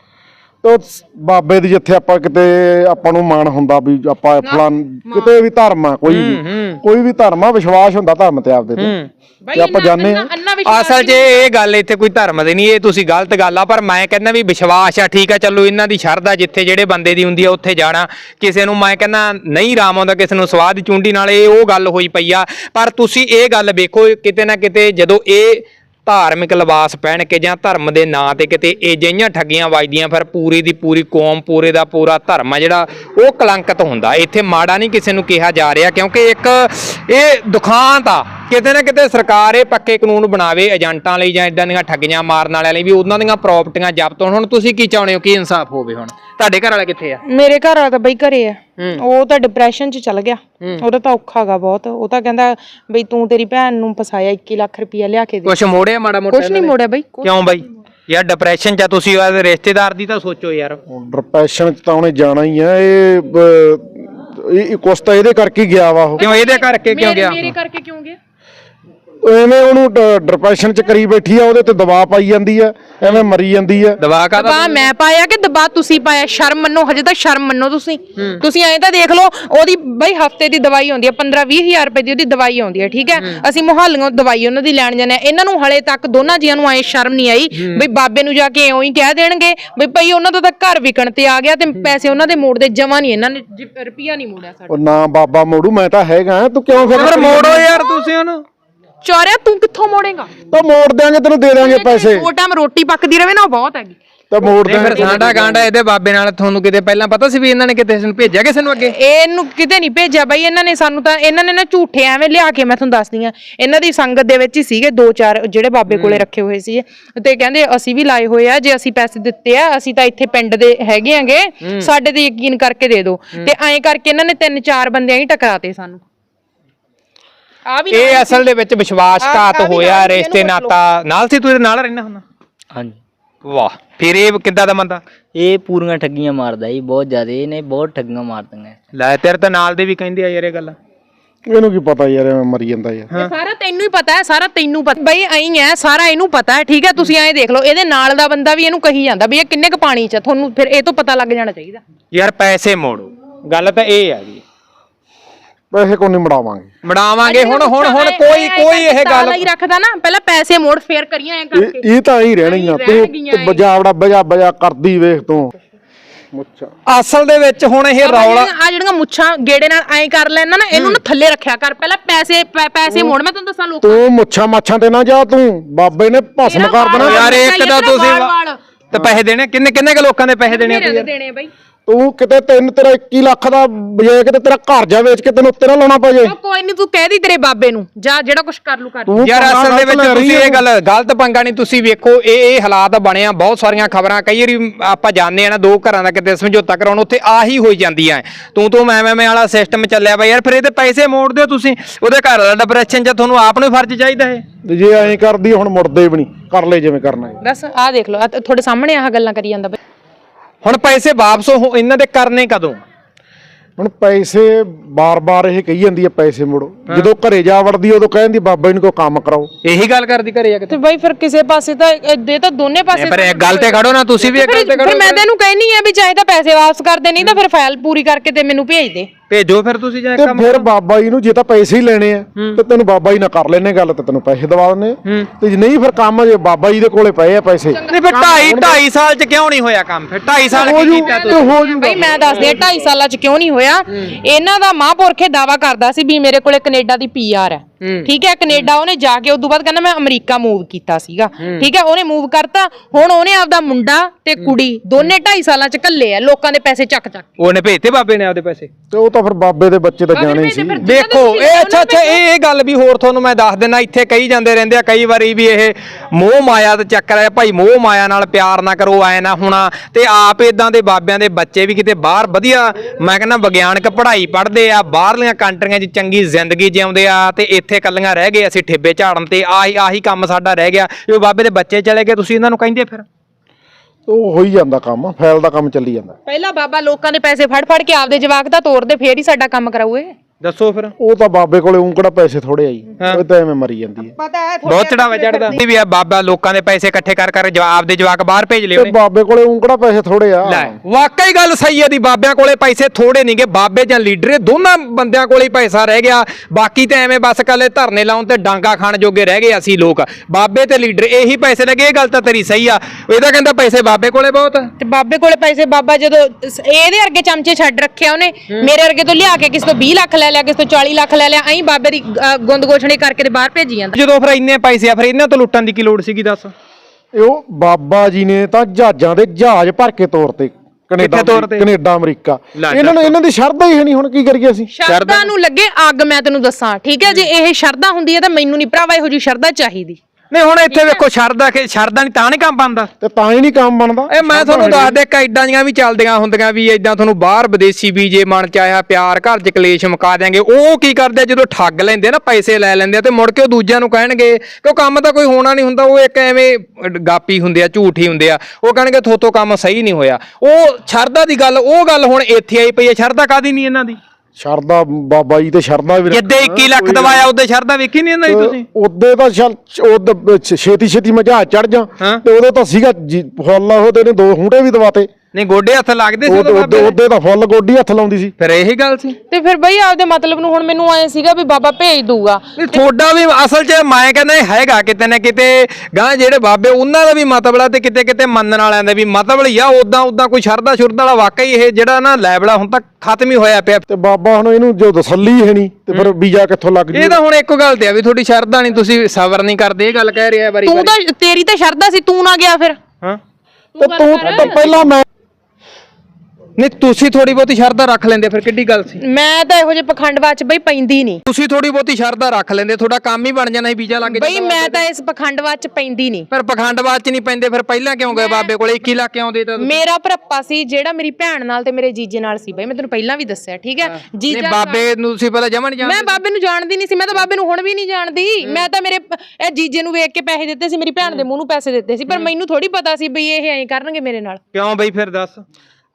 ਤੇ ਬਾਬੇ ਦੀ ਜਿੱਥੇ ਆਪਾਂ ਕਿਤੇ ਆਪਾਂ ਨੂੰ ਮਾਣ ਹੁੰਦਾ ਵੀ ਆਪਾਂ ਫਲਾਨ ਕਿਤੇ ਵੀ ਧਰਮ ਆ, ਕੋਈ ਵੀ ਧਰਮ ਆ, ਵਿਸ਼ਵਾਸ ਹੁੰਦਾ ਧਰਮ ਤੇ ਆਪਦੇ ਤੇ ਆਪਾਂ ਜਾਣੇ ਆ।
ਅਸਲ 'ਚ ਇਹ ਗੱਲ ਇੱਥੇ ਕੋਈ ਧਰਮ ਦੀ ਨਹੀਂ, ਇਹ ਤੁਸੀਂ ਗਲਤ ਗੱਲ ਆ। ਪਰ ਮੈਂ ਕਹਿੰਦਾ ਵੀ ਵਿਸ਼ਵਾਸ ਆ, ਠੀਕ ਆ, ਚਲੋ ਇਹਨਾਂ ਦੀ ਸ਼ਰਧਾ ਜਿੱਥੇ ਜਿਹੜੇ ਬੰਦੇ ਦੀ ਹੁੰਦੀ ਆ ਉੱਥੇ ਜਾਣਾ। ਕਿਸੇ ਨੂੰ ਮੈਂ ਕਹਿੰਦਾ ਨਹੀਂ ਰਾਮ ਆਉਂਦਾ, ਕਿਸੇ ਨੂੰ ਸਵਾਦ ਦੀ ਚੁੰਡੀ ਨਾਲ, ਇਹ ਉਹ ਗੱਲ ਹੋਈ ਪਈ ਆ। ਪਰ ਤੁਸੀਂ ਇਹ ਗੱਲ ਵੇਖੋ, ਕਿਤੇ ਨਾ ਕਿਤੇ ਜਦੋਂ ਇਹ ਧਾਰਮਿਕ ਲਿਬਾਸ ਪਹਿਨ ਕੇ ਜਾਂ ਧਰਮ ਦੇ ਨਾਂ ਤੇ ਕਿਤੇ ਇਹ ਜਿਹੀਆਂ ਠੱਗੀਆਂ ਵੱਜਦੀਆਂ, ਫਿਰ ਪੂਰੀ ਦੀ ਪੂਰੀ ਕੌਮ, ਪੂਰੇ ਦਾ ਪੂਰਾ ਧਰਮ ਆ ਜਿਹੜਾ ਉਹ ਕਲੰਕਿਤ ਹੁੰਦਾ। ਇੱਥੇ ਮਾੜਾ ਨਹੀਂ ਕਿਸੇ ਨੂੰ ਕਿਹਾ ਜਾ ਰਿਹਾ, ਕਿਉਂਕਿ ਇੱਕ ਇਹ ਦੁਖਾਂਤ ਆ। ਕਿਤੇ ਨਾ ਕਿਤੇ ਸਰਕਾਰ ਇਹ ਪੱਕੇ ਕਾਨੂੰਨ ਬਣਾਵੇ ਏਜੰਟਾਂ ਲਈ ਜਾਂ ਇਦਾਂ ਦੀਆਂ ਠੱਗੀਆਂ ਮਾਰਨ ਵਾਲਿਆਂ ਲਈ, ਵੀ ਉਹਨਾਂ ਦੀਆਂ ਪ੍ਰਾਪਰਟੀਆਂ ਜ਼ਬਤ ਹੋਣ। ਹੁਣ ਤੁਸੀਂ ਕੀ ਚਾਹੁੰਦੇ ਹੋ? ਕੀ ਇਨਸਾਫ ਹੋਵੇ? ਹੁਣ ਤੁਹਾਡੇ ਘਰ ਵਾਲਾ ਕਿੱਥੇ ਆ?
ਮੇਰੇ ਘਰ ਵਾਲਾ ਤਾਂ ਬਈ ਘਰੇ ਆ। ਉਹ ਤਾਂ ਡਿਪਰੈਸ਼ਨ 'ਚ ਚਲ ਗਿਆ। ਉਹਦਾ ਤਾਂ ਔਖਾ ਗਾ ਬਹੁਤ। ਉਹ ਤਾਂ ਕਹਿੰਦਾ ਬਈ ਤੂੰ ਤੇਰੀ ਭੈਣ ਨੂੰ ਫਸਾਇਆ, 21 ਲੱਖ ਰੁਪਇਆ ਲਿਆ ਕੇ ਦੇ।
ਕੁਛ ਮੋੜਿਆ ਮਾੜਾ ਮੋਟਾ?
ਕੁਛ ਨਹੀਂ ਮੋੜਿਆ ਬਈ।
ਕਿਉਂ ਬਈ? ਯਾਰ ਡਿਪਰੈਸ਼ਨ 'ਚ ਤੁਸੀਂ ਉਹਦੇ ਰਿਸ਼ਤੇਦਾਰ ਦੀ ਤਾਂ ਸੋਚੋ ਯਾਰ।
ਡਿਪਰੈਸ਼ਨ 'ਚ ਤਾਂ ਉਹਨੇ ਜਾਣਾ ਹੀ ਆ। ਇਹ ਕੁਛ ਤਾਂ ਇਹਦੇ ਕਰਕੇ ਗਿਆ ਵਾ। ਉਹ
ਕਿਉਂ ਇਹਦੇ ਕਰਕੇ ਕਿਉਂ ਗਿਆ?
ਮੇਰੇ ਕਰਕੇ ਕਿਉਂ ਗਿਆ?
ਐਵੇਂ ਉਹਨੂੰ ਡਿਪਰੈਸ਼ਨ 'ਚ ਕਰੀ ਬੈਠੀ ਆ, ਉਹਦੇ ਤੇ ਦਬਾਅ ਪਾਈ ਜਾਂਦੀ ਆ, ਐਵੇਂ ਮਰੀ ਜਾਂਦੀ ਆ।
ਦਬਾਅ ਮੈਂ ਪਾਇਆ ਕਿ ਦਬਾਅ ਤੁਸੀਂ ਪਾਇਆ? ਸ਼ਰਮ ਮੰਨੋ, ਹਜੇ ਤਾਂ ਸ਼ਰਮ ਮੰਨੋ। ਤੁਸੀਂ ਐਂ ਤਾਂ ਦੇਖ ਲਓ, ਉਹਦੀ ਬਈ ਹਫਤੇ ਦੀ ਦਵਾਈ ਆਉਂਦੀ ਆ, 15-20 ਹਜ਼ਾਰ ਰੁਪਏ ਦੀ ਉਹਦੀ ਦਵਾਈ ਆਉਂਦੀ ਆ, ਠੀਕ ਹੈ। ਅਸੀਂ ਮੁਹੱਲਿਓਂ ਦਵਾਈ ਉਹਨਾਂ ਦੀ ਲੈਣ ਜਾਂਦੇ ਆ। ਇਹਨਾਂ ਨੂੰ ਹਲੇ ਤੱਕ ਦੋਨਾਂ ਜੀਆਂ ਨੂੰ ਐ ਸ਼ਰਮ ਨਹੀਂ ਆਈ ਬਈ ਬਾਬੇ ਨੂੰ ਜਾ ਕੇ ਇਉਂ ਹੀ ਕਹਿ ਦੇਣਗੇ ਬਈ ਭਾਈ ਉਹਨਾਂ ਦਾ ਤਾਂ ਘਰ ਵਿਕਣ ਤੇ ਆ ਗਿਆ ਤੇ ਪੈਸੇ ਉਹਨਾਂ ਦੇ ਮੋੜਦੇ। ਜਮਾ ਨਹੀਂ, ਇਹਨਾਂ ਨੇ ਰੁਪਈਆ ਨਹੀਂ ਮੋੜਿਆ ਸਾਡਾ।
ਉਹ ਨਾ ਬਾਬਾ ਮੋੜੂ, ਮੈਂ ਤਾਂ ਹੈਗਾ। ਤੂੰ ਕਿਉਂ
ਫਿਰ ਮੋੜੋ ਯਾਰ ਤੁਸੀਂ ਉਹਨੂੰ।
ਚੋਰਿਆ ਤੂੰ ਕਿੱਥੋਂ ਮੋੜੇਗਾ?
ਤਾਂ ਮੋੜ ਦਿਆਂਗੇ, ਤੈਨੂੰ ਦੇ ਦਾਂਗੇ ਪੈਸੇ।
2 ਟਾਈਮ ਰੋਟੀ ਪੱਕਦੀ ਰਵੇ ਨਾ, ਉਹ ਬਹੁਤ ਹੈਗੀ।
ਤਾਂ ਮੋੜ ਦੇ।
ਫਿਰ ਸਾਡਾ ਗਾਂਡਾ ਇਹਦੇ ਬਾਬੇ ਨਾਲ ਤੁਹਾਨੂੰ ਕਿਤੇ ਪਹਿਲਾਂ ਪਤਾ ਸੀ ਵੀ ਇਹਨਾਂ ਨੇ ਕਿਤੇ ਨੂੰ ਭੇਜਿਆ ਕਿਸੇ ਨੂੰ ਅੱਗੇ?
ਇਹਨੂੰ ਕਿਤੇ ਨਹੀਂ ਭੇਜਿਆ ਬਾਈ ਇਹਨਾਂ ਨੇ ਸਾਨੂੰ। ਤਾਂ ਇਹਨਾਂ ਨੇ ਨਾ ਝੂਠੇ ਐਵੇਂ ਲਿਆ ਕੇ, ਮੈਂ ਤੁਹਾਨੂੰ ਦੱਸਦੀ ਆ, ਇਹਨਾਂ ਦੀ ਸੰਗਤ ਦੇ ਵਿੱਚ ਹੀ ਸੀਗੇ 2-4 ਜਿਹੜੇ ਬਾਬੇ ਕੋਲੇ ਰੱਖੇ ਹੋਏ ਸੀ, ਤੇ ਕਹਿੰਦੇ ਅਸੀਂ ਵੀ ਲਾਏ ਹੋਏ ਆ, ਜੇ ਅਸੀਂ ਪੈਸੇ ਦਿੱਤੇ ਆ, ਅਸੀਂ ਤਾਂ ਇੱਥੇ ਪਿੰਡ ਦੇ ਹੈਗੇ ਆਂਗੇ, ਸਾਡੇ ਤੇ ਯਕੀਨ ਕਰਕੇ ਦੇ ਦਿਓ। ਤੇ ਐਂ ਕਰਕੇ ਇਹਨਾਂ ਨੇ 3-4 ਬੰਦਿਆਂ ਹੀ ਟਕਰਾਤੇ ਸਾਨੂੰ।
ਇਹ ਅਸਲ ਦੇ ਵਿੱਚ ਵਿਸ਼ਵਾਸਘਾਤ ਹੋਇਆ। ਰਿਸ਼ਤੇ ਨਾਤਾ ਨਾਲ ਸੀ, ਤੂੰ ਇਹਦੇ ਨਾਲ ਰਹਿਣਾ ਹੁੰਦਾ?
ਹਾਂਜੀ।
ਵਾਹ, ਫਿਰ ਇਹ ਕਿੱਦਾਂ ਦਾ ਬੰਦਾ?
ਇਹ ਪੂਰੀਆਂ ਠੱਗੀਆਂ ਮਾਰਦਾ ਜੀ, ਬਹੁਤ ਜ਼ਿਆਦਾ। ਇਹਨੇ ਬਹੁਤ ਠੱਗੀਆਂ ਮਾਰਦੀਆਂ।
ਲੈ ਤੇਰੇ ਤਾਂ ਨਾਲ ਦੇ ਵੀ ਕਹਿੰਦੇ ਆ ਯਾਰ ਇਹ ਗੱਲ।
ਇਹਨੂੰ ਕੀ ਪਤਾ ਯਾਰ ਐਵੇਂ ਮਰੀ ਜਾਂਦਾ ਯਾਰ।
ਸਾਰਾ ਤੈਨੂੰ ਹੀ ਪਤਾ ਹੈ, ਸਾਰਾ ਤੈਨੂੰ ਪਤਾ ਬਈ ਐਂ ਹੈ, ਸਾਰਾ ਇਹਨੂੰ ਪਤਾ ਹੈ। ਠੀਕ ਹੈ, ਤੁਸੀਂ ਐਂ ਦੇਖ ਲਓ, ਇਹਦੇ ਨਾਲ ਦਾ ਬੰਦਾ ਵੀ ਇਹਨੂੰ ਕਹੀ ਜਾਂਦਾ ਵੀ ਇਹ ਕਿੰਨੇ ਕ ਪਾਣੀ 'ਚ, ਤੁਹਾਨੂੰ ਫਿਰ ਇਹ ਤੋਂ ਪਤਾ ਲੱਗ ਜਾਣਾ ਚਾਹੀਦਾ।
ਯਾਰ ਪੈਸੇ ਮੋੜੋ, ਗੱਲ ਤਾਂ ਇਹ ਆ ਜੀ।
ਪੈਸੇ ਕੋਈ ਨਹੀਂ
ਮੜਾਵਾਂਗੇ ਹੁਣ ਕੋਈ ਇਹ ਗੱਲ
ਹੀ ਰੱਖਦਾ ਨਾ, ਪਹਿਲਾਂ ਪੈਸੇ ਮੋੜ ਫੇਰ ਕਰੀਆਂ ਐ ਕਰਕੇ।
ਇਹ ਤਾਂ ਹੀ ਰਹਿਣੀਆਂ। ਤੂੰ ਬਜਾਵੜਾ ਬਜਾ ਕਰਦੀ ਵੇਖ ਤੂੰ ਮੁੱਛਾਂ।
ਅਸਲ ਦੇ ਵਿੱਚ ਹੁਣ ਇਹ ਰੌਲਾ
ਆ ਜਿਹੜੀਆਂ ਮੁੱਛਾਂ ਗੇੜੇ ਨਾਲ ਐਂ ਕਰ ਲੈਣਾ ਨਾ, ਇਹਨੂੰ ਨਾ ਥੱਲੇ ਰੱਖਿਆ ਕਰ। ਪਹਿਲਾਂ ਪੈਸੇ ਮੋੜ, ਮੈਂ ਤੈਨੂੰ ਦੱਸਾਂ ਲੋਕ
ਤੂੰ ਮੁੱਛਾਂ ਮਾਛਾਂ ਤੇ ਨਾ ਜਾ, ਤੂੰ ਬਾਬੇ ਨੇ ਭਸਮ ਕਰ ਦੇਣਾ
ਯਾਰ। ਇੱਕ ਤਾਂ ਤੁਸੀਂ ਤੇ ਪੈਸੇ ਦੇਣੇ ਕਿੰਨੇ ਕੁ ਲੋਕਾਂ ਦੇ ਪੈਸੇ ਦੇਣੇ ਆ
ਦੇਣੇ ਬਈ।
ਤੂੰ ਕਿਤੇ ਤੇਰਾ 21 ਲੱਖ ਦਾ ਬਜਾਏ ਕਿਤੇ ਤੇਰਾ ਘਰ ਜਾ ਵੇਚ ਕੇ ਤੈਨੂੰ ਉੱਤੇ ਨਾ ਲਾਉਣਾ ਪੈ ਜੇ।
ਕੋਈ ਨਹੀਂ, ਤੂੰ ਕਹਿ ਦੀ ਤੇਰੇ ਬਾਬੇ ਨੂੰ, ਜਾ ਜਿਹੜਾ ਕੁਝ ਕਰ ਲੂ ਕਰ।
ਯਾਰ ਅਸਲ ਦੇ ਵਿੱਚ ਤੁਸੀਂ ਇਹ ਗੱਲ ਗਲਤ ਪੰਗਾ ਨਹੀਂ। ਤੁਸੀਂ ਵੇਖੋ ਇਹ ਹਾਲਾਤ ਬਣਿਆ, ਬਹੁਤ ਸਾਰੀਆਂ ਖਬਰਾਂ ਕਈ ਵਾਰੀ ਆਪਾਂ ਜਾਣਦੇ ਆ ਨਾ, ਦੋ ਘਰਾਂ ਦਾ ਕਿਤੇ ਸਮਝੌਤਾ ਕਰਾਉਣ, ਉੱਥੇ ਆਹੀ ਹੋਈ ਜਾਂਦੀ ਆ। ਤੂੰ ਮੈਂ ਵਾਲਾ ਸਿਸਟਮ ਚੱਲਿਆ ਵਾ ਯਾਰ। ਫਿਰ ਇਹਦੇ ਪੈਸੇ ਮੋੜ ਦਿਓ ਤੁਸੀਂ, ਉਹਦੇ ਘਰ ਦਾ ਡਿਪਰੈਸ਼ਨ ਚ ਤੁਹਾਨੂੰ ਆਪ ਨੂੰ ਫਰਜ਼ ਚਾਹੀਦਾ ਹੈ।
ਜੇ ਐਂ ਕਰਦੀ ਹੁਣ ਮੁੜਦੇ ਵੀ ਨਹੀਂ, ਕਰ ਲੈ ਜਿਵੇਂ ਕਰਨਾ ਹੈ।
ਦੱਸ ਆਹ ਦੇਖ ਲਓ, ਤੁਹਾਡੇ ਸਾਹਮਣੇ ਆਹ ਗੱਲਾਂ ਕਰੀ ਜਾਂਦਾ ਬਈ।
ਹੁਣ ਪੈਸੇ ਵਾਪਸ ਇਹਨਾਂ ਦੇ ਕਰਨੇ ਕਦੋਂ?
ਹੁਣ ਪੈਸੇ ਬਾਰ-ਬਾਰ ਇਹ ਕਹੀ ਜਾਂਦੀ ਹੈ ਪੈਸੇ ਮੋੜੋ। ਜਦੋਂ ਘਰੇ ਜਾ ਵੜਦੀ ਉਦੋਂ ਕਹਿੰਦੀ ਬਾਬਾ ਜੀ ਨੂੰ ਕੋਈ ਕੰਮ ਕਰਾਓ।
ਇਹੀ ਗੱਲ ਕਰਦੀ ਘਰੇ ਜਾ ਕੇ
ਤੇ ਬਾਈ ਫਿਰ ਕਿਸੇ ਪਾਸੇ ਤਾਂ ਦੇ ਤਾਂ ਦੋਨੇ ਪਾਸੇ।
ਪਰ ਇਹ ਗੱਲ ਤੇ ਖੜੋ ਨਾ, ਤੁਸੀਂ ਵੀ ਇਹ ਗੱਲ ਤੇ ਖੜੋ।
ਫਿਰ ਮੈਂ ਤੈਨੂੰ ਕਹਿਨੀ ਆ ਵੀ ਚਾਹੇ ਤਾਂ ਪੈਸੇ ਵਾਪਸ ਕਰ ਦੇ, ਨਹੀਂ ਤਾਂ ਫਿਰ ਫਾਈਲ ਪੂਰੀ ਕਰਕੇ ਤੇ ਮੈਨੂੰ ਭੇਜ ਦੇ।
ਭੇਜੋ ਫਿਰ ਤੁਸੀਂ ਜਾਂ
ਤੇ ਫਿਰ ਬਾਬਾ ਜੀ ਨੂੰ ਜੇ ਤਾਂ ਪੈਸੇ ਹੀ ਲੈਣੇ ਆ ਤੇ ਤੈਨੂੰ ਬਾਬਾ ਜੀ ਨਾਲ ਕਰ ਲੈਣੇ ਗੱਲ, ਤੇ ਤੈਨੂੰ ਪੈਸੇ ਦਵਾ ਦਿੰਦੇ ਤੇ ਜੇ ਨਹੀਂ ਫਿਰ ਕੰਮ ਜੇ ਬਾਬਾ ਜੀ ਦੇ ਕੋਲੇ ਪਏ ਆ ਪੈਸੇ।
ਨਹੀਂ ਫਿਰ 2.5 ਸਾਲ ਚ ਕਿਉਂ ਨਹੀਂ ਹੋਇਆ ਕੰਮ? ਫਿਰ 2.5 ਸਾਲ ਕੀ ਕੀਤਾ ਤੁਸੀਂ?
ਹੋ ਜੂਗਾ
ਬਈ ਮੈਂ ਦੱਸਦੀ ਆ 2.5 ਸਾਲਾਂ ਚ ਕਿਉਂ ਨਹੀਂ ਹੋਇਆ। ਇਹਨਾਂ ਦਾ ਮਹਾਂਪੁਰਖੇ ਦਾਵਾ ਕਰਦਾ ਸੀ ਵੀ ਮੇਰੇ ਕੋਲੇ ਕੈਨੇਡਾ ਦੀ PR ਹੈ। ਠੀਕ ਹੈ, ਕੈਨੇਡਾ ਉਹਨੇ ਜਾ ਕੇ ਉਦੋਂ ਬਾਅਦ ਕਹਿੰਦਾ ਮੈਂ ਅਮਰੀਕਾ ਮੂਵ ਕੀਤਾ ਸੀਗਾ। ਠੀਕ ਹੈ, ਉਹਨੇ ਮੂਵ ਕਰਤਾ। ਹੁਣ ਉਹਨੇ ਆਪਦਾ ਮੁੰਡਾ ਤੇ ਕੁੜੀ ਦੋਨੇ 2.5 ਸਾਲਾਂ ਚ ਘੱਲੇ ਆ, ਲੋਕਾਂ ਦੇ ਪੈਸੇ ਚੱਕ
ਉਹਨੇ ਭੇਜਤੇ ਬਾਬੇ ਨੇ ਆਪਦੇ ਪੈਸੇ।
ਤੇ ਉਹ ਤਾਂ ਫਿਰ ਬਾਬੇ ਦੇ ਬੱਚੇ ਤਾਂ ਜਾਣੇ ਹੀ ਸੀ।
ਦੇਖੋ ਇਹ ਅੱਛਾ ਇਹ ਗੱਲ ਵੀ ਹੋਰ ਤੁਹਾਨੂੰ ਮੈਂ ਦੱਸ ਦਿੰਦਾ, ਇੱਥੇ ਕਹੀ ਜਾਂਦੇ ਰਹਿੰਦੇ ਆ ਕਈ ਵਾਰੀ ਵੀ ਇਹ ਮੋਹ ਮਾਇਆ ਦਾ ਚੱਕਰ ਹੈ ਭਾਈ, ਮੋਹ ਮਾਇਆ ਨਾਲ ਪਿਆਰ ਨਾ ਕਰੋ, ਐ ਨਾ ਹੋਣਾ। ਤੇ ਆਪ ਇਦਾਂ ਦੇ ਬਾਬਿਆਂ ਦੇ ਬੱਚੇ ਵੀ ਕਿਤੇ ਬਾਹਰ ਵਧੀਆ ਮੈਂ ਕਹਿੰਦਾ ਵਿਗਿਆਨਕ ਪੜ੍ਹਾਈ ਪੜ੍ਹਦੇ ਆ, ਬਾਹਰਲੀਆਂ ਕੰਟਰੀਆਂ 'ਚ ਚੰਗੀ ਜ਼ਿੰਦਗੀ ਜਿਉਂਦੇ ਆ, ਤੇ ਇੱਥੇ ਕੱਲੀਆਂ ਰਹਿ ਗਏ ਅਸੀਂ ਠੇਬੇ ਝਾੜਨ ਤੇ। ਆਹੀ ਕੰਮ ਸਾਡਾ ਰਹਿ ਗਿਆ। ਜੋ ਬਾਬੇ ਦੇ ਬੱਚੇ ਚਲੇ ਗਏ ਤੁਸੀਂ ਇਹਨਾਂ ਨੂੰ ਕਹਿੰਦੇ ਫਿਰ
ਉਹ ਹੋਈ ਜਾਂਦਾ ਕੰਮ, ਫੈਲ ਦਾ ਕੰਮ ਚੱਲੀ ਜਾਂਦਾ।
ਪਹਿਲਾਂ ਬਾਬਾ ਲੋਕਾਂ ਦੇ ਪੈਸੇ ਫੜ ਫੜ ਕੇ ਆਪਦੇ ਜਵਾਕ ਦਾ ਤੋਰਦੇ, ਫੇਰ ਹੀ ਸਾਡਾ ਕੰਮ ਕਰਾਉਏ।
ਦੱਸੋ ਫਿਰ।
ਉਹ ਤਾਂ ਬਾਬੇ ਕੋਲੇ ਉਂਕੜਾ ਪੈਸੇ ਥੋੜੇ ਆਈ, ਉਹ ਤਾਂ ਐਵੇਂ ਮਰੀ ਜਾਂਦੀ ਹੈ।
ਪਤਾ ਹੈ
ਬਹੁਤ ਚੜਾਵਾ ਚੜਦਾ ਵੀ ਆ ਬਾਬਾ ਲੋਕਾਂ ਦੇ ਪੈਸੇ ਇਕੱਠੇ ਕਰ ਆਪਦੇ ਜਵਾਕ ਬਾਹਰ ਭੇਜ ਲਿਓ ਨੇ।
ਬਾਬੇ ਕੋਲੇ ਉਂਕੜਾ ਪੈਸੇ ਥੋੜੇ ਆ।
ਲੈ ਵਾਕਈ ਗੱਲ ਸਹੀ ਹੈ ਦੀ, ਬਾਬਿਆਂ ਕੋਲੇ ਪੈਸੇ ਥੋੜੇ ਨਹੀਂਗੇ। ਬਾਬੇ ਜਾਂ ਲੀਡਰ ਦੋਨਾਂ ਬੰਦਿਆਂ ਕੋਲੇ ਪੈਸਾ ਰਹਿ ਗਿਆ, ਬਾਕੀ ਤਾਂ ਐਵੇਂ ਬਸ ਕੱਲੇ ਧਰਨੇ ਲਾਉਣ ਤੇ ਡਾਂਗਾ ਖਾਣ ਜੋਗੇ ਰਹਿ ਗਏ ਅਸੀਂ ਲੋਕ। ਬਾਬੇ ਤੇ ਲੀਡਰ ਇਹੀ ਪੈਸੇ ਲੱਗੇ, ਇਹ ਗੱਲ ਤਾਂ ਤੇਰੀ ਸਹੀ ਆ। ਇਹਦਾ ਕਹਿੰਦਾ ਪੈਸੇ ਬਾਬੇ ਕੋਲੇ ਬਹੁਤ ਆ
ਤੇ ਬਾਬੇ ਕੋਲੇ ਪੈਸੇ ਬਾਬਾ ਜਦੋਂ ਇਹਦੇ ਵਰਗੇ ਚਮਚੇ ਛੱਡ ਰੱਖਿਆ ਉਹਨੇ, ਮੇਰੇ ਵਰਗੇ ਤੋਂ ਲਿਆ ਕੇ ਕਿਸੇ ਤੋਂ 20 ਲੱਖ ਲੈ ਲਿਆ, ਕਿਸੇ ਤੋਂ 40 ਲੱਖ ਲੈ ਲਿਆ, ਐਂ ਬਾਬੇ ਦੀ ਗੁੰਦ ਗੋਛਣੀ ਕਰਕੇ ਤੇ ਬਾਹਰ ਭੇਜੀ ਜਾਂਦਾ।
ਜਦੋਂ ਫਿਰ ਇੰਨੇ ਪੈਸੇ ਆ ਫਿਰ ਇਹਨਾਂ ਤੋਂ ਲੁੱਟਣ ਦੀ ਕੀ ਲੋੜ ਸੀਗੀ ਦੱਸ?
ਉਹ ਬਾਬਾ ਜੀ ਨੇ ਤਾਂ ਜਹਾਜ਼ਾਂ ਦੇ ਜਹਾਜ਼ ਭਰ ਕੇ ਤੋਰਤੇ ਕੈਨੇਡਾ ਅਮਰੀਕਾ। ਇਹਨਾਂ ਦੀ ਸ਼ਰਧਾ ਹੀ ਨਹੀਂ, ਹੁਣ ਕੀ ਕਰੀਏ ਅਸੀਂ?
ਸ਼ਰਧਾ ਨੂੰ ਲੱਗੇ ਅੱਗ, ਮੈਂ ਤੈਨੂੰ ਦੱਸਾਂ ਠੀਕ ਹੈ। ਜੇ ਇਹ ਸ਼ਰਧਾ ਹੁੰਦੀ ਹੈ ਤਾਂ ਮੈਨੂੰ ਨਹੀਂ ਭਰਾਵਾ ਇਹੋ ਜਿਹੀ ਸ਼ਰਧਾ ਚਾਹੀਦੀ।
ਨਹੀਂ ਹੁਣ ਇੱਥੇ ਵੇਖੋ ਸ਼ਰਧਾ ਨਹੀਂ ਤਾਂ ਨਹੀਂ ਕੰਮ ਬਣਦਾ,
ਤੇ ਤਾਂ ਹੀ ਨਹੀਂ ਕੰਮ ਬਣਦਾ।
ਇਹ ਮੈਂ ਤੁਹਾਨੂੰ ਦੱਸ ਦੇ ਕੈਦਾਂ ਦੀਆਂ ਵੀ ਚੱਲਦੀਆਂ ਹੁੰਦੀਆਂ ਵੀ ਇਦਾਂ ਤੁਹਾਨੂੰ ਬਾਹਰ ਵਿਦੇਸ਼ੀ ਵੀਜੇ ਮਨ ਚ ਆਇਆ, ਪਿਆਰ ਘਰ ਚ ਕਲੇਸ਼ ਮੁਕਾ ਦਿਆਂਗੇ। ਉਹ ਕੀ ਕਰਦੇ ਜਦੋਂ ਠੱਗ ਲੈਂਦੇ ਨਾ, ਪੈਸੇ ਲੈ ਲੈਂਦੇ ਆ ਤੇ ਮੁੜ ਕੇ ਉਹ ਦੂਜਿਆਂ ਨੂੰ ਕਹਿਣਗੇ ਕਿ ਉਹ ਕੰਮ ਤਾਂ ਕੋਈ ਹੋਣਾ ਨਹੀਂ ਹੁੰਦਾ, ਉਹ ਇੱਕ ਐਵੇਂ ਗਾਪੀ ਹੁੰਦੇ ਆ, ਝੂਠੀ ਹੁੰਦੇ ਆ। ਉਹ ਕਹਿਣਗੇ ਥੋਤੋਂ ਕੰਮ ਸਹੀ ਨਹੀਂ ਹੋਇਆ। ਉਹ ਸ਼ਰਧਾ ਦੀ ਗੱਲ, ਉਹ ਗੱਲ ਹੁਣ ਇੱਥੇ ਆਈ ਪਈ ਹੈ। ਸ਼ਰਧਾ ਕਾਦੀ ਨਹੀਂ ਇਹਨਾਂ ਦੀ?
ਸ਼ਰਧਾ ਬਾਬਾ ਜੀ ਤੇ ਸ਼ਰਧਾ ਵੀ
ਜਿੱਦੇ 21 ਲੱਖ ਦਵਾਇਆ ਉਹਦੇ ਸ਼ਰਧਾ ਵੇਖੀ ਨਹੀਂ ਇਹਨਾਂ ਦੀ ਤੁਸੀਂ?
ਉਹਦੇ ਤਾਂ ਛੇਤੀ ਮੈਂ ਜਹਾਜ਼ ਚੜ ਜਾ, ਤੇ ਉਦੋਂ ਤਾਂ ਸੀਗਾ ਫੁੱਲ ਉਹਦੇ ਨੇ 2 ਹੂੰਟੇ ਵੀ ਦਵਾਤੇ।
ਨਹੀਂ ਗੋਡੇ ਹੱਥ ਲੱਗਦੇ ਸੀ
ਉਹਦੇ ਤਾਂ ਫੁੱਲ ਗੋਡੀ ਹੱਥ ਲਾਉਂਦੀ ਸੀ।
ਫਿਰ ਇਹੀ ਗੱਲ ਸੀ।
ਤੇ ਫਿਰ ਬਈ ਆਪਦੇ ਮਤਲਬ ਨੂੰ ਹੁਣ ਮੈਨੂੰ ਆਏ ਸੀਗਾ ਵੀ ਬਾਬਾ ਭੇਜ ਦੂਗਾ।
ਤੁਹਾਡਾ ਵੀ ਅਸਲ 'ਚ ਮੈਂ ਕਹਿੰਦਾ ਹੈਗਾ ਕਿਤੇ ਨਾ ਕਿਤੇ ਗਾਂ ਜਿਹੜੇ ਬਾਬੇ ਉਹਨਾਂ ਦਾ ਵੀ ਮਤਲਬ ਆ, ਤੇ ਕਿਤੇ ਕਿਤੇ ਮੰਨਣ ਵਾਲਿਆਂ ਦਾ ਵੀ ਮਤਲਬ ਹੀ ਆ। ਉਦਾਂ ਕੋਈ ਸ਼ਰਧਾ ਸ਼ੁਰਧਾ ਵਾਲਾ ਵਾਕਈ ਇਹ ਜਿਹੜਾ ਨਾ ਲੈਵਲਾ ਹੁਣ ਤੱਕ ਖਤਮ ਹੀ ਹੋਇਆ ਪਿਆ।
ਤੇ ਬਾਬਾ ਹੁਣ ਇਹਨੂੰ ਜੋ ਤਸੱਲੀ ਹੈ ਨਹੀਂ ਤੇ ਫਿਰ ਵੀਜ਼ਾ ਕਿੱਥੋਂ ਲੱਗ ਜੂ?
ਇਹ ਤਾਂ ਹੁਣ ਇੱਕ ਗੱਲ ਤੇ ਆ ਵੀ ਤੁਹਾਡੀ ਸ਼ਰਧਾ ਨਹੀਂ, ਤੁਸੀਂ ਸਬਰ ਨਹੀਂ ਕਰਦੇ, ਇਹ ਗੱਲ ਕਹਿ ਰਿਹਾ ਵਾਰੀ
ਤੂੰ ਤਾਂ ਤੇਰੀ ਤਾਂ ਸ਼ਰਧਾ ਸੀ, ਤੂੰ ਨਾ ਗਿਆ ਫਿਰ।
ਹਾਂ
ਤੇ ਤੂੰ ਤਾਂ ਪਹਿਲਾਂ ਮੈਂ
ਨਹੀਂ ਤੁਸੀਂ ਥੋੜੀ ਬਹੁਤੀ ਸ਼ਰਧਾ ਰੱਖ ਲੈਂਦੇ, ਫਿਰ ਕਿੱਡੀ ਗੱਲ ਸੀ?
ਮੈਂ ਤਾਂ ਇਹੋ ਜਿਹੇ ਪਖੰਡਵਾਦ ਚ ਬਈ ਪੈਂਦੀ ਨਹੀਂ।
ਤੁਸੀਂ ਥੋੜੀ ਬਹੁਤੀ ਸ਼ਰਧਾ ਰੱਖ ਲੈਂਦੇ, ਤੁਹਾਡਾ ਕੰਮ ਹੀ ਬਣ ਜਾਣਾ ਸੀ, ਵੀਜ਼ਾ ਲੱਗ ਜਾਂਦਾ।
ਬਈ ਮੈਂ ਤਾਂ ਇਸ ਪਖੰਡਵਾਦ ਚ ਪੈਂਦੀ ਨਹੀਂ।
ਪਰ ਪਖੰਡਵਾਦ ਚ ਨਹੀਂ ਪੈਂਦੇ ਫਿਰ ਪਹਿਲਾਂ ਕਿਉਂ ਗਏ ਬਾਬੇ ਕੋਲੇ? 21 ਲੱਖ ਕਿਉਂ ਦੇਤਾ?
ਮੇਰਾ ਭਰਪਾ ਸੀ ਜਿਹੜਾ ਮੇਰੀ ਭੈਣ ਨਾਲ ਤੇ ਮੇਰੇ ਜੀਜੇ ਨਾਲ ਸੀ। ਬਈ ਮੈਂ ਤੈਨੂੰ ਪਹਿਲਾਂ ਵੀ ਦੱਸਿਆ ਠੀਕ ਹੈ।
ਨਹੀਂ ਬਾਬੇ ਨੂੰ ਤੁਸੀਂ ਪਹਿਲਾਂ ਜਮਾ ਨਹੀਂ ਜਾਣਦੇ?
ਮੈਂ ਬਾਬੇ ਨੂੰ ਜਾਣਦੀ ਨਹੀਂ ਸੀ, ਮੈਂ ਤਾਂ ਬਾਬੇ ਨੂੰ ਹੁਣ ਵੀ ਨਹੀਂ ਜਾਣਦੀ। ਮੈਂ ਤਾਂ ਮੇਰੇ ਇਹ ਜੀਜੇ ਨੂੰ ਵੇਖ ਕੇ ਪੈਸੇ ਦਿੱਤੇ ਸੀ, ਮੇਰੀ ਭੈਣ ਦੇ ਮੂੰਹ ਨੂੰ ਪੈਸੇ ਦਿੱਤੇ ਸੀ, ਪਰ ਮੈਨੂੰ ਥੋੜੀ ਪਤਾ ਸੀ ਬਈ ਇਹ ਐਂ ਕਰਨਗੇ ਮੇਰੇ ਨਾਲ।
ਕਿਉਂ ਬਈ ਫਿਰ ਦੱਸ?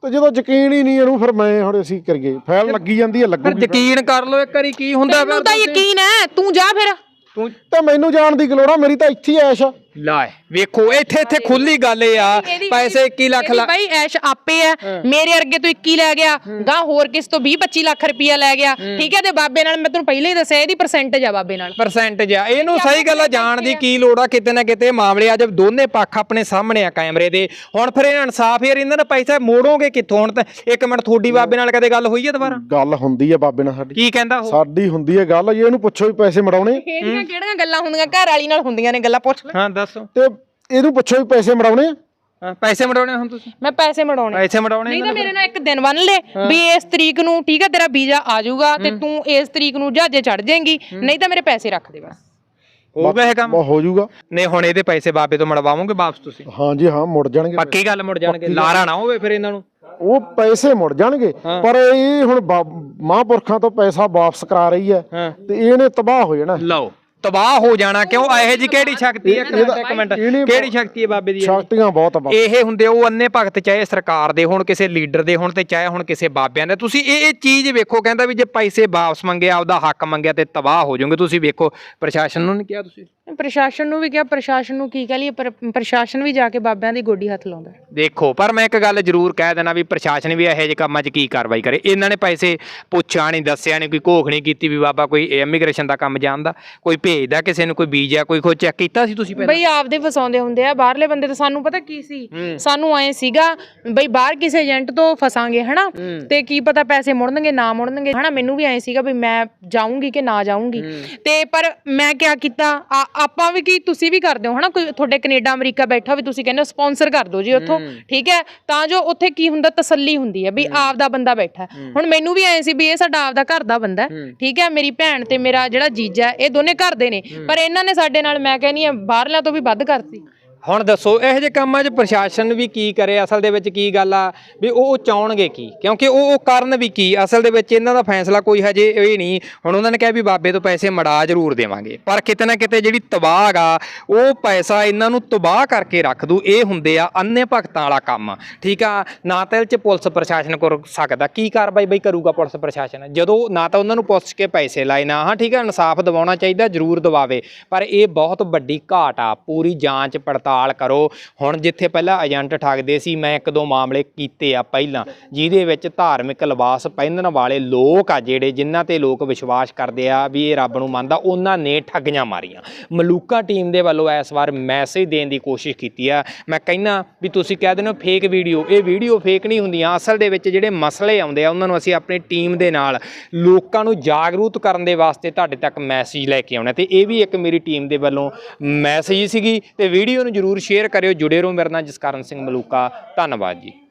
ਤੇ ਜਦੋਂ ਯਕੀਨ ਹੀ ਨਹੀਂ ਇਹਨੂੰ ਫਿਰ ਮੈਂ ਹੁਣ ਅਸੀਂ ਕਰੀਏ ਫਾਈਲ ਲੱਗੀ ਜਾਂਦੀ ਹੈ
ਫਿਰ
ਲੱਗੂਗੀ
ਯਕੀਨ ਕਰ ਲਓ ਇੱਕ ਵਾਰੀ ਕੀ ਹੁੰਦਾ
ਤੈਨੂੰ ਤਾਂ ਯਕੀਨ ਹੈ, ਤੂੰ ਜਾ ਫਿਰ।
ਤੂੰ
ਤੇ ਮੈਨੂੰ ਜਾਣ ਦੀ ਲੋੜ ਆ, ਮੇਰੀ ਤਾਂ ਇੱਥੇ ਹੀ ਐਸ਼ ਆ।
ਲਾਏ ਵੇਖੋ ਇੱਥੇ ਖੁੱਲੀ ਗੱਲ ਇਹ ਆ ਪੈਸੇ 21 ਲੱਖ
ਬਾਈ ਐਸ਼ ਆਪੇ ਆ, ਮੇਰੇ ਅਰਗੇ ਤੋਂ 21 ਲੈ ਗਿਆ, ਗਾਂ ਹੋਰ ਕਿਸ ਤੋਂ 20-25 ਲੱਖ ਰੁਪਇਆ ਲੈ ਗਿਆ, ਠੀਕ ਹੈ। ਤੇ ਬਾਬੇ ਨਾਲ ਮੈਂ ਤੈਨੂੰ ਪਹਿਲਾਂ ਹੀ ਦੱਸਿਆ ਇਹਦੀ ਪਰਸੈਂਟੇਜ ਆ ਬਾਬੇ ਨਾਲ,
ਪਰਸੈਂਟੇਜ ਆ। ਇਹਨੂੰ ਸਹੀ ਗੱਲ ਆ, ਜਾਣ ਦੀ ਕੀ ਲੋੜ ਆ। ਕਿਤੇ ਨਾ ਕਿਤੇ ਮਾਮਲੇ ਆ ਜਦ ਦੋਨੇ ਪੱਖ ਆਪਣੇ ਸਾਹਮਣੇ ਆ ਕੈਮਰੇ ਦੇ। ਹੁਣ ਫਿਰ ਇਹ ਇਨਸਾਫ ਯਾਰ, ਇਹਨਾਂ ਦਾ ਪੈਸਾ ਮੋੜੋਗੇ ਕਿੱਥੋਂ? ਹੁਣ ਤਾਂ ਇੱਕ ਮਿੰਟ, ਤੁਹਾਡੀ ਬਾਬੇ ਨਾਲ ਕਦੇ ਗੱਲ ਹੋਈ ਹੈ ਦੁਬਾਰਾ?
ਗੱਲ ਹੁੰਦੀ ਹੈ ਬਾਬੇ ਨਾਲ ਸਾਡੀ।
ਕੀ ਕਹਿੰਦਾ ਉਹ?
ਸਾਡੀ ਹੁੰਦੀ ਹੈ ਗੱਲ, ਇਹਨੂੰ ਪੁੱਛੋ ਵੀ ਪੈਸੇ ਮੜਾਉਣੇ।
ਇਹਦੀਆਂ ਕਿਹੜੀਆਂ ਗੱਲਾਂ ਹੁੰਦੀਆਂ, ਘਰ ਵਾਲੀ ਨਾਲ ਹੁੰਦੀਆਂ ਨੇ ਗੱਲਾਂ, ਪੁੱਛ ਲੈ।
ਹਾਂ ਦੱਸੋ।
ਤੇ ਇਹਨੂੰ ਪੁੱਛੋ ਵੀ ਪੈਸੇ ਮੜਾਉਣੇ ਆ।
ਪੈਸੇ ਮੜਾਉਣੇ ਹੁਣ ਤੁਸੀਂ?
ਮੈਂ ਪੈਸੇ ਮੜਾਉਣੇ।
ਪੈਸੇ ਮੜਾਉਣੇ
ਨਹੀਂ ਤਾਂ ਮੇਰੇ ਨਾਲ ਇੱਕ ਦਿਨ ਬੰਨ ਲੈ ਵੀ ਇਸ ਤਰੀਕ ਨੂੰ, ਠੀਕ ਹੈ, ਤੇਰਾ ਵੀਜ਼ਾ ਆ ਜਾਊਗਾ ਤੇ ਤੂੰ ਇਸ ਤਰੀਕ ਨੂੰ ਜਹਾਜ਼ੇ ਚੜ ਜਾਏਂਗੀ, ਨਹੀਂ ਤਾਂ ਮੇਰੇ ਪੈਸੇ ਰੱਖ ਦੇ ਬਸ।
ਹੋ ਗਿਆ ਇਹ ਕੰਮ?
ਹੋ ਜਾਊਗਾ।
ਨਹੀਂ ਹੁਣ ਇਹਦੇ ਪੈਸੇ ਬਾਬੇ ਤੋਂ ਮੜਵਾਵੋਗੇ ਵਾਪਸ ਤੁਸੀਂ?
ਹਾਂਜੀ ਹਾਂ, ਮੁੜ ਜਾਣਗੇ।
ਪੱਕੀ ਗੱਲ ਮੁੜ ਜਾਣਗੇ, ਲਾਰਾ ਨਾ ਹੋਵੇ ਫਿਰ ਇਹਨਾਂ ਨੂੰ।
ਉਹ ਪੈਸੇ ਮੁੜ ਜਾਣਗੇ, ਪਰ ਇਹ ਹੁਣ ਮਹਾਂਪੁਰਖਾਂ ਤੋਂ ਪੈਸਾ ਵਾਪਸ ਕਰਾ ਰਹੀ ਹੈ ਤੇ ਇਹਨੇ ਤਬਾਹ ਹੋ ਜਾਣਾ।
ਲਓ ਤਬਾਹ ਹੋ ਜਾਣਾ ਕਿਉਂ? ਇਹੋ ਜੀ ਕਿਹੜੀ ਸ਼ਕਤੀ ਹੈ? ਇੱਕ ਮਿੰਟ, ਕਿਹੜੀ ਸ਼ਕਤੀ ਹੈ ਬਾਬੇ ਦੀ?
ਸ਼ਕਤੀਆਂ ਬਹੁਤ ਆ।
ਇਹ ਹੁੰਦੇ ਉਹ ਅੰਨੇ ਭਗਤ, ਚਾਹੇ ਸਰਕਾਰ ਦੇ ਹੋਣ, ਕਿਸੇ ਲੀਡਰ ਦੇ ਹੋਣ, ਤੇ ਚਾਹੇ ਹੁਣ ਕਿਸੇ ਬਾਬਿਆਂ ਦੇ। ਤੁਸੀਂ ਇਹ ਚੀਜ਼ ਵੇਖੋ, ਕਹਿੰਦਾ ਵੀ ਜੇ ਪੈਸੇ ਵਾਪਸ ਮੰਗਿਆ, ਆਪਦਾ ਹੱਕ ਮੰਗਿਆ ਤੇ ਤਬਾਹ ਹੋ ਜਾਓਗੇ। ਤੁਸੀਂ ਵੇਖੋ, ਪ੍ਰਸ਼ਾਸਨ ਨੂੰ ਨਹੀਂ ਕਿਹਾ ਤੁਸੀਂ?
ਪ੍ਰਸ਼ਾਸਨ ਨੂੰ ਵੀ ਕਿਹਾ, ਪ੍ਰਸ਼ਾਸਨ ਨੂੰ ਕੀ ਕਹਿ ਲਈਏ, ਪ੍ਰਸ਼ਾਸਨ ਵੀ ਜਾ ਕੇ ਬਾਬਿਆਂ ਦੀ ਗੋਡੀ ਹੱਥ ਲਾਉਂਦਾ।
ਦੇਖੋ, ਪਰ ਮੈਂ ਇੱਕ ਗੱਲ ਜ਼ਰੂਰ ਕਹਿ ਦੇਣਾ ਵੀ ਪ੍ਰਸ਼ਾਸਨ ਵੀ ਇਹੋ ਜਿਹੇ ਕੰਮਾਂ 'ਚ ਕੀ ਕਾਰਵਾਈ ਕਰੇ। ਇਹਨਾਂ ਨੇ ਪੈਸੇ ਪੁੱਛਿਆ ਨਹੀਂ, ਦੱਸਿਆ ਨਹੀਂ, ਕੋਈ ਘੋਖ ਨਹੀਂ ਕੀਤੀ ਵੀ ਬਾਬਾ ਕੋਈ ਇਮੀਗ੍ਰੇਸ਼ਨ ਦਾ ਕੰਮ ਜਾਣਦਾ, ਕੋਈ ਭੇਜਦਾ ਕਿਸੇ ਨੂੰ, ਕੋਈ ਵੀਜ਼ਾ, ਕੋਈ ਚੈੱਕ ਕੀਤਾ ਸੀ ਤੁਸੀਂ ਪਹਿਲਾਂ?
ਬਈ ਆਪਦੇ ਫਸਾਉਂਦੇ ਹੁੰਦੇ ਆ ਬਾਹਰਲੇ ਬੰਦੇ। ਤੇ ਸਾਨੂੰ ਪਤਾ ਕੀ ਸੀ, ਸਾਨੂੰ ਐ ਸੀਗਾ ਬਈ ਬਾਹਰ ਕਿਸੇ ਏਜੰਟ ਤੋਂ ਫਸਾਂਗੇ ਹਨਾ, ਤੇ ਕੀ ਪਤਾ ਪੈਸੇ ਮੁੜਨਗੇ ਨਾ ਮੁੜਨਗੇ ਹਨਾ। ਮੈਨੂੰ ਵੀ ਐ ਸੀਗਾ ਵੀ ਮੈਂ ਜਾਊਂਗੀ ਕਿ ਨਾ ਜਾਊਂਗੀ। ਤੇ ਪਰ ਮੈਂ ਕਿਆ ਕੀਤਾ, ਆਪਾਂ ਵੀ ਕੀ ਤੁਸੀਂ ਵੀ ਕਰਦੇ ਹੋ ਹਨਾ, ਕੋਈ ਤੁਹਾਡੇ ਕੈਨੇਡਾ ਅਮਰੀਕਾ ਬੈਠਾ ਵੀ ਤੁਸੀਂ ਕਹਿੰਦੇ ਹੋ ਸਪਾਂਸਰ ਕਰ ਦਿਓ ਜੀ ਉੱਥੋਂ, ਠੀਕ ਹੈ, ਤਾਂ ਜੋ ਉੱਥੇ ਕੀ ਹੁੰਦਾ, ਤਸੱਲੀ ਹੁੰਦੀ ਹੈ ਵੀ ਆਪਦਾ ਬੰਦਾ ਬੈਠਾ। ਹੁਣ ਮੈਨੂੰ ਵੀ ਐ ਸੀ ਵੀ ਇਹ ਸਾਡਾ ਆਪਦਾ ਘਰ ਦਾ ਬੰਦਾ, ਠੀਕ ਹੈ। ਮੇਰੀ ਭੈਣ ਤੇ ਮੇਰਾ ਜਿਹੜਾ ਜੀਜਾ, ਇਹ ਦੋਨੇ ਘਰ ਦੇ ਨੇ, ਪਰ ਇਹਨਾਂ ਨੇ ਸਾਡੇ ਨਾਲ, ਮੈਂ ਕਹਿੰਦੀ ਆ, ਬਾਹਰਲਿਆਂ ਤੋਂ ਵੀ ਵੱਧ ਕਰਤੀ।
ਹੁਣ ਦੱਸੋ ਇਹੋ ਜਿਹੇ ਕੰਮਾਂ 'ਚ ਪ੍ਰਸ਼ਾਸਨ ਵੀ ਕੀ ਕਰੇ? ਅਸਲ ਦੇ ਵਿੱਚ ਕੀ ਗੱਲ ਆ ਵੀ ਉਹ ਚਾਹਣਗੇ ਕੀ? ਕਿਉਂਕਿ ਉਹ ਕਰਨ ਵੀ ਕੀ? ਅਸਲ ਦੇ ਵਿੱਚ ਇਹਨਾਂ ਦਾ ਫੈਸਲਾ ਕੋਈ ਹਜੇ ਇਹ ਨਹੀਂ। ਹੁਣ ਉਹਨਾਂ ਨੇ ਕਿਹਾ ਵੀ ਬਾਬੇ ਤੋਂ ਪੈਸੇ ਮੜਾ ਜ਼ਰੂਰ ਦੇਵਾਂਗੇ, ਪਰ ਕਿਤੇ ਨਾ ਕਿਤੇ ਜਿਹੜੀ ਤਬਾਹ ਗਾ, ਉਹ ਪੈਸਾ ਇਹਨਾਂ ਨੂੰ ਤਬਾਹ ਕਰਕੇ ਰੱਖ ਦੂ। ਇਹ ਹੁੰਦੇ ਆ ਅੰਨੇ ਭਗਤਾਂ ਵਾਲਾ ਕੰਮ, ਠੀਕ ਆ। ਨਾ ਤਾਂ ਇਹ 'ਚ ਪੁਲਿਸ ਪ੍ਰਸ਼ਾਸਨ ਕਰ ਸਕਦਾ। ਕੀ ਕਾਰਵਾਈ ਬਈ ਕਰੂਗਾ ਪੁਲਿਸ ਪ੍ਰਸ਼ਾਸਨ ਜਦੋਂ ਨਾ ਤਾਂ ਉਹਨਾਂ ਨੂੰ ਪੁੱਛ ਕੇ ਪੈਸੇ ਲਾਏ ਨਾ? ਹਾਂ ਠੀਕ ਆ, ਇਨਸਾਫ ਦਿਵਾਉਣਾ ਚਾਹੀਦਾ, ਜ਼ਰੂਰ ਦਿਵਾਵੇ, ਪਰ ਇਹ ਬਹੁਤ ਵੱਡੀ ਘਾਟ ਆ। ਪੂਰੀ ਜਾਂਚ ਪੜਤਾਲ ਕਰੋ। ਹੁਣ ਜਿੱਥੇ ਪਹਿਲਾਂ ਏਜੰਟ ਠੱਗਦੇ ਸੀ, ਮੈਂ ਇੱਕ ਦੋ ਮਾਮਲੇ ਕੀਤੇ ਆ ਪਹਿਲਾਂ, ਜਿਹਦੇ ਵਿੱਚ ਧਾਰਮਿਕ ਲਿਬਾਸ ਪਹਿਨਣ ਵਾਲੇ ਲੋਕ ਆ ਜਿਹੜੇ, ਜਿਨ੍ਹਾਂ ਤੇ ਲੋਕ ਵਿਸ਼ਵਾਸ ਕਰਦੇ ਆ ਵੀ ਇਹ ਰੱਬ ਨੂੰ ਮੰਨਦਾ, ਉਹਨਾਂ ਨੇ ਠੱਗੀਆਂ ਮਾਰੀਆਂ। ਮਲੂਕਾ ਟੀਮ ਦੇ ਵੱਲੋਂ ਇਸ ਵਾਰ ਮੈਸੇਜ ਦੇਣ ਦੀ ਕੋਸ਼ਿਸ਼ ਕੀਤੀ ਆ। ਮੈਂ ਕਹਿੰਦਾ ਵੀ ਤੁਸੀਂ ਕਹਿ ਦਿੰਦੇ ਹੋ ਫੇਕ ਵੀਡੀਓ, ਇਹ ਵੀਡੀਓ ਫੇਕ ਨਹੀਂ ਹੁੰਦੀਆਂ। ਅਸਲ ਦੇ ਵਿੱਚ ਜਿਹੜੇ ਮਸਲੇ ਆਉਂਦੇ ਆ, ਉਹਨਾਂ ਨੂੰ ਅਸੀਂ ਆਪਣੀ ਟੀਮ ਦੇ ਨਾਲ ਲੋਕਾਂ ਨੂੰ ਜਾਗਰੂਕ ਕਰਨ ਦੇ ਵਾਸਤੇ ਤੁਹਾਡੇ ਤੱਕ ਮੈਸੇਜ ਲੈ ਕੇ ਆਉਣਾ, ਤੇ ਇਹ ਵੀ ਇੱਕ ਮੇਰੀ ਟੀਮ ਦੇ ਵੱਲੋਂ ਮੈਸੇਜ ਸੀਗੀ। ਤੇ ਵੀਡੀਓ ਨੂੰ ਜ਼ਰੂਰ ਸ਼ੇਅਰ ਕਰਿਓ। ਜੁੜੇ ਰਹੋ ਮੇਰੇ ਨਾਲ, ਜਸਕਰਨ ਸਿੰਘ ਮਲੂਕਾ। ਧੰਨਵਾਦ ਜੀ।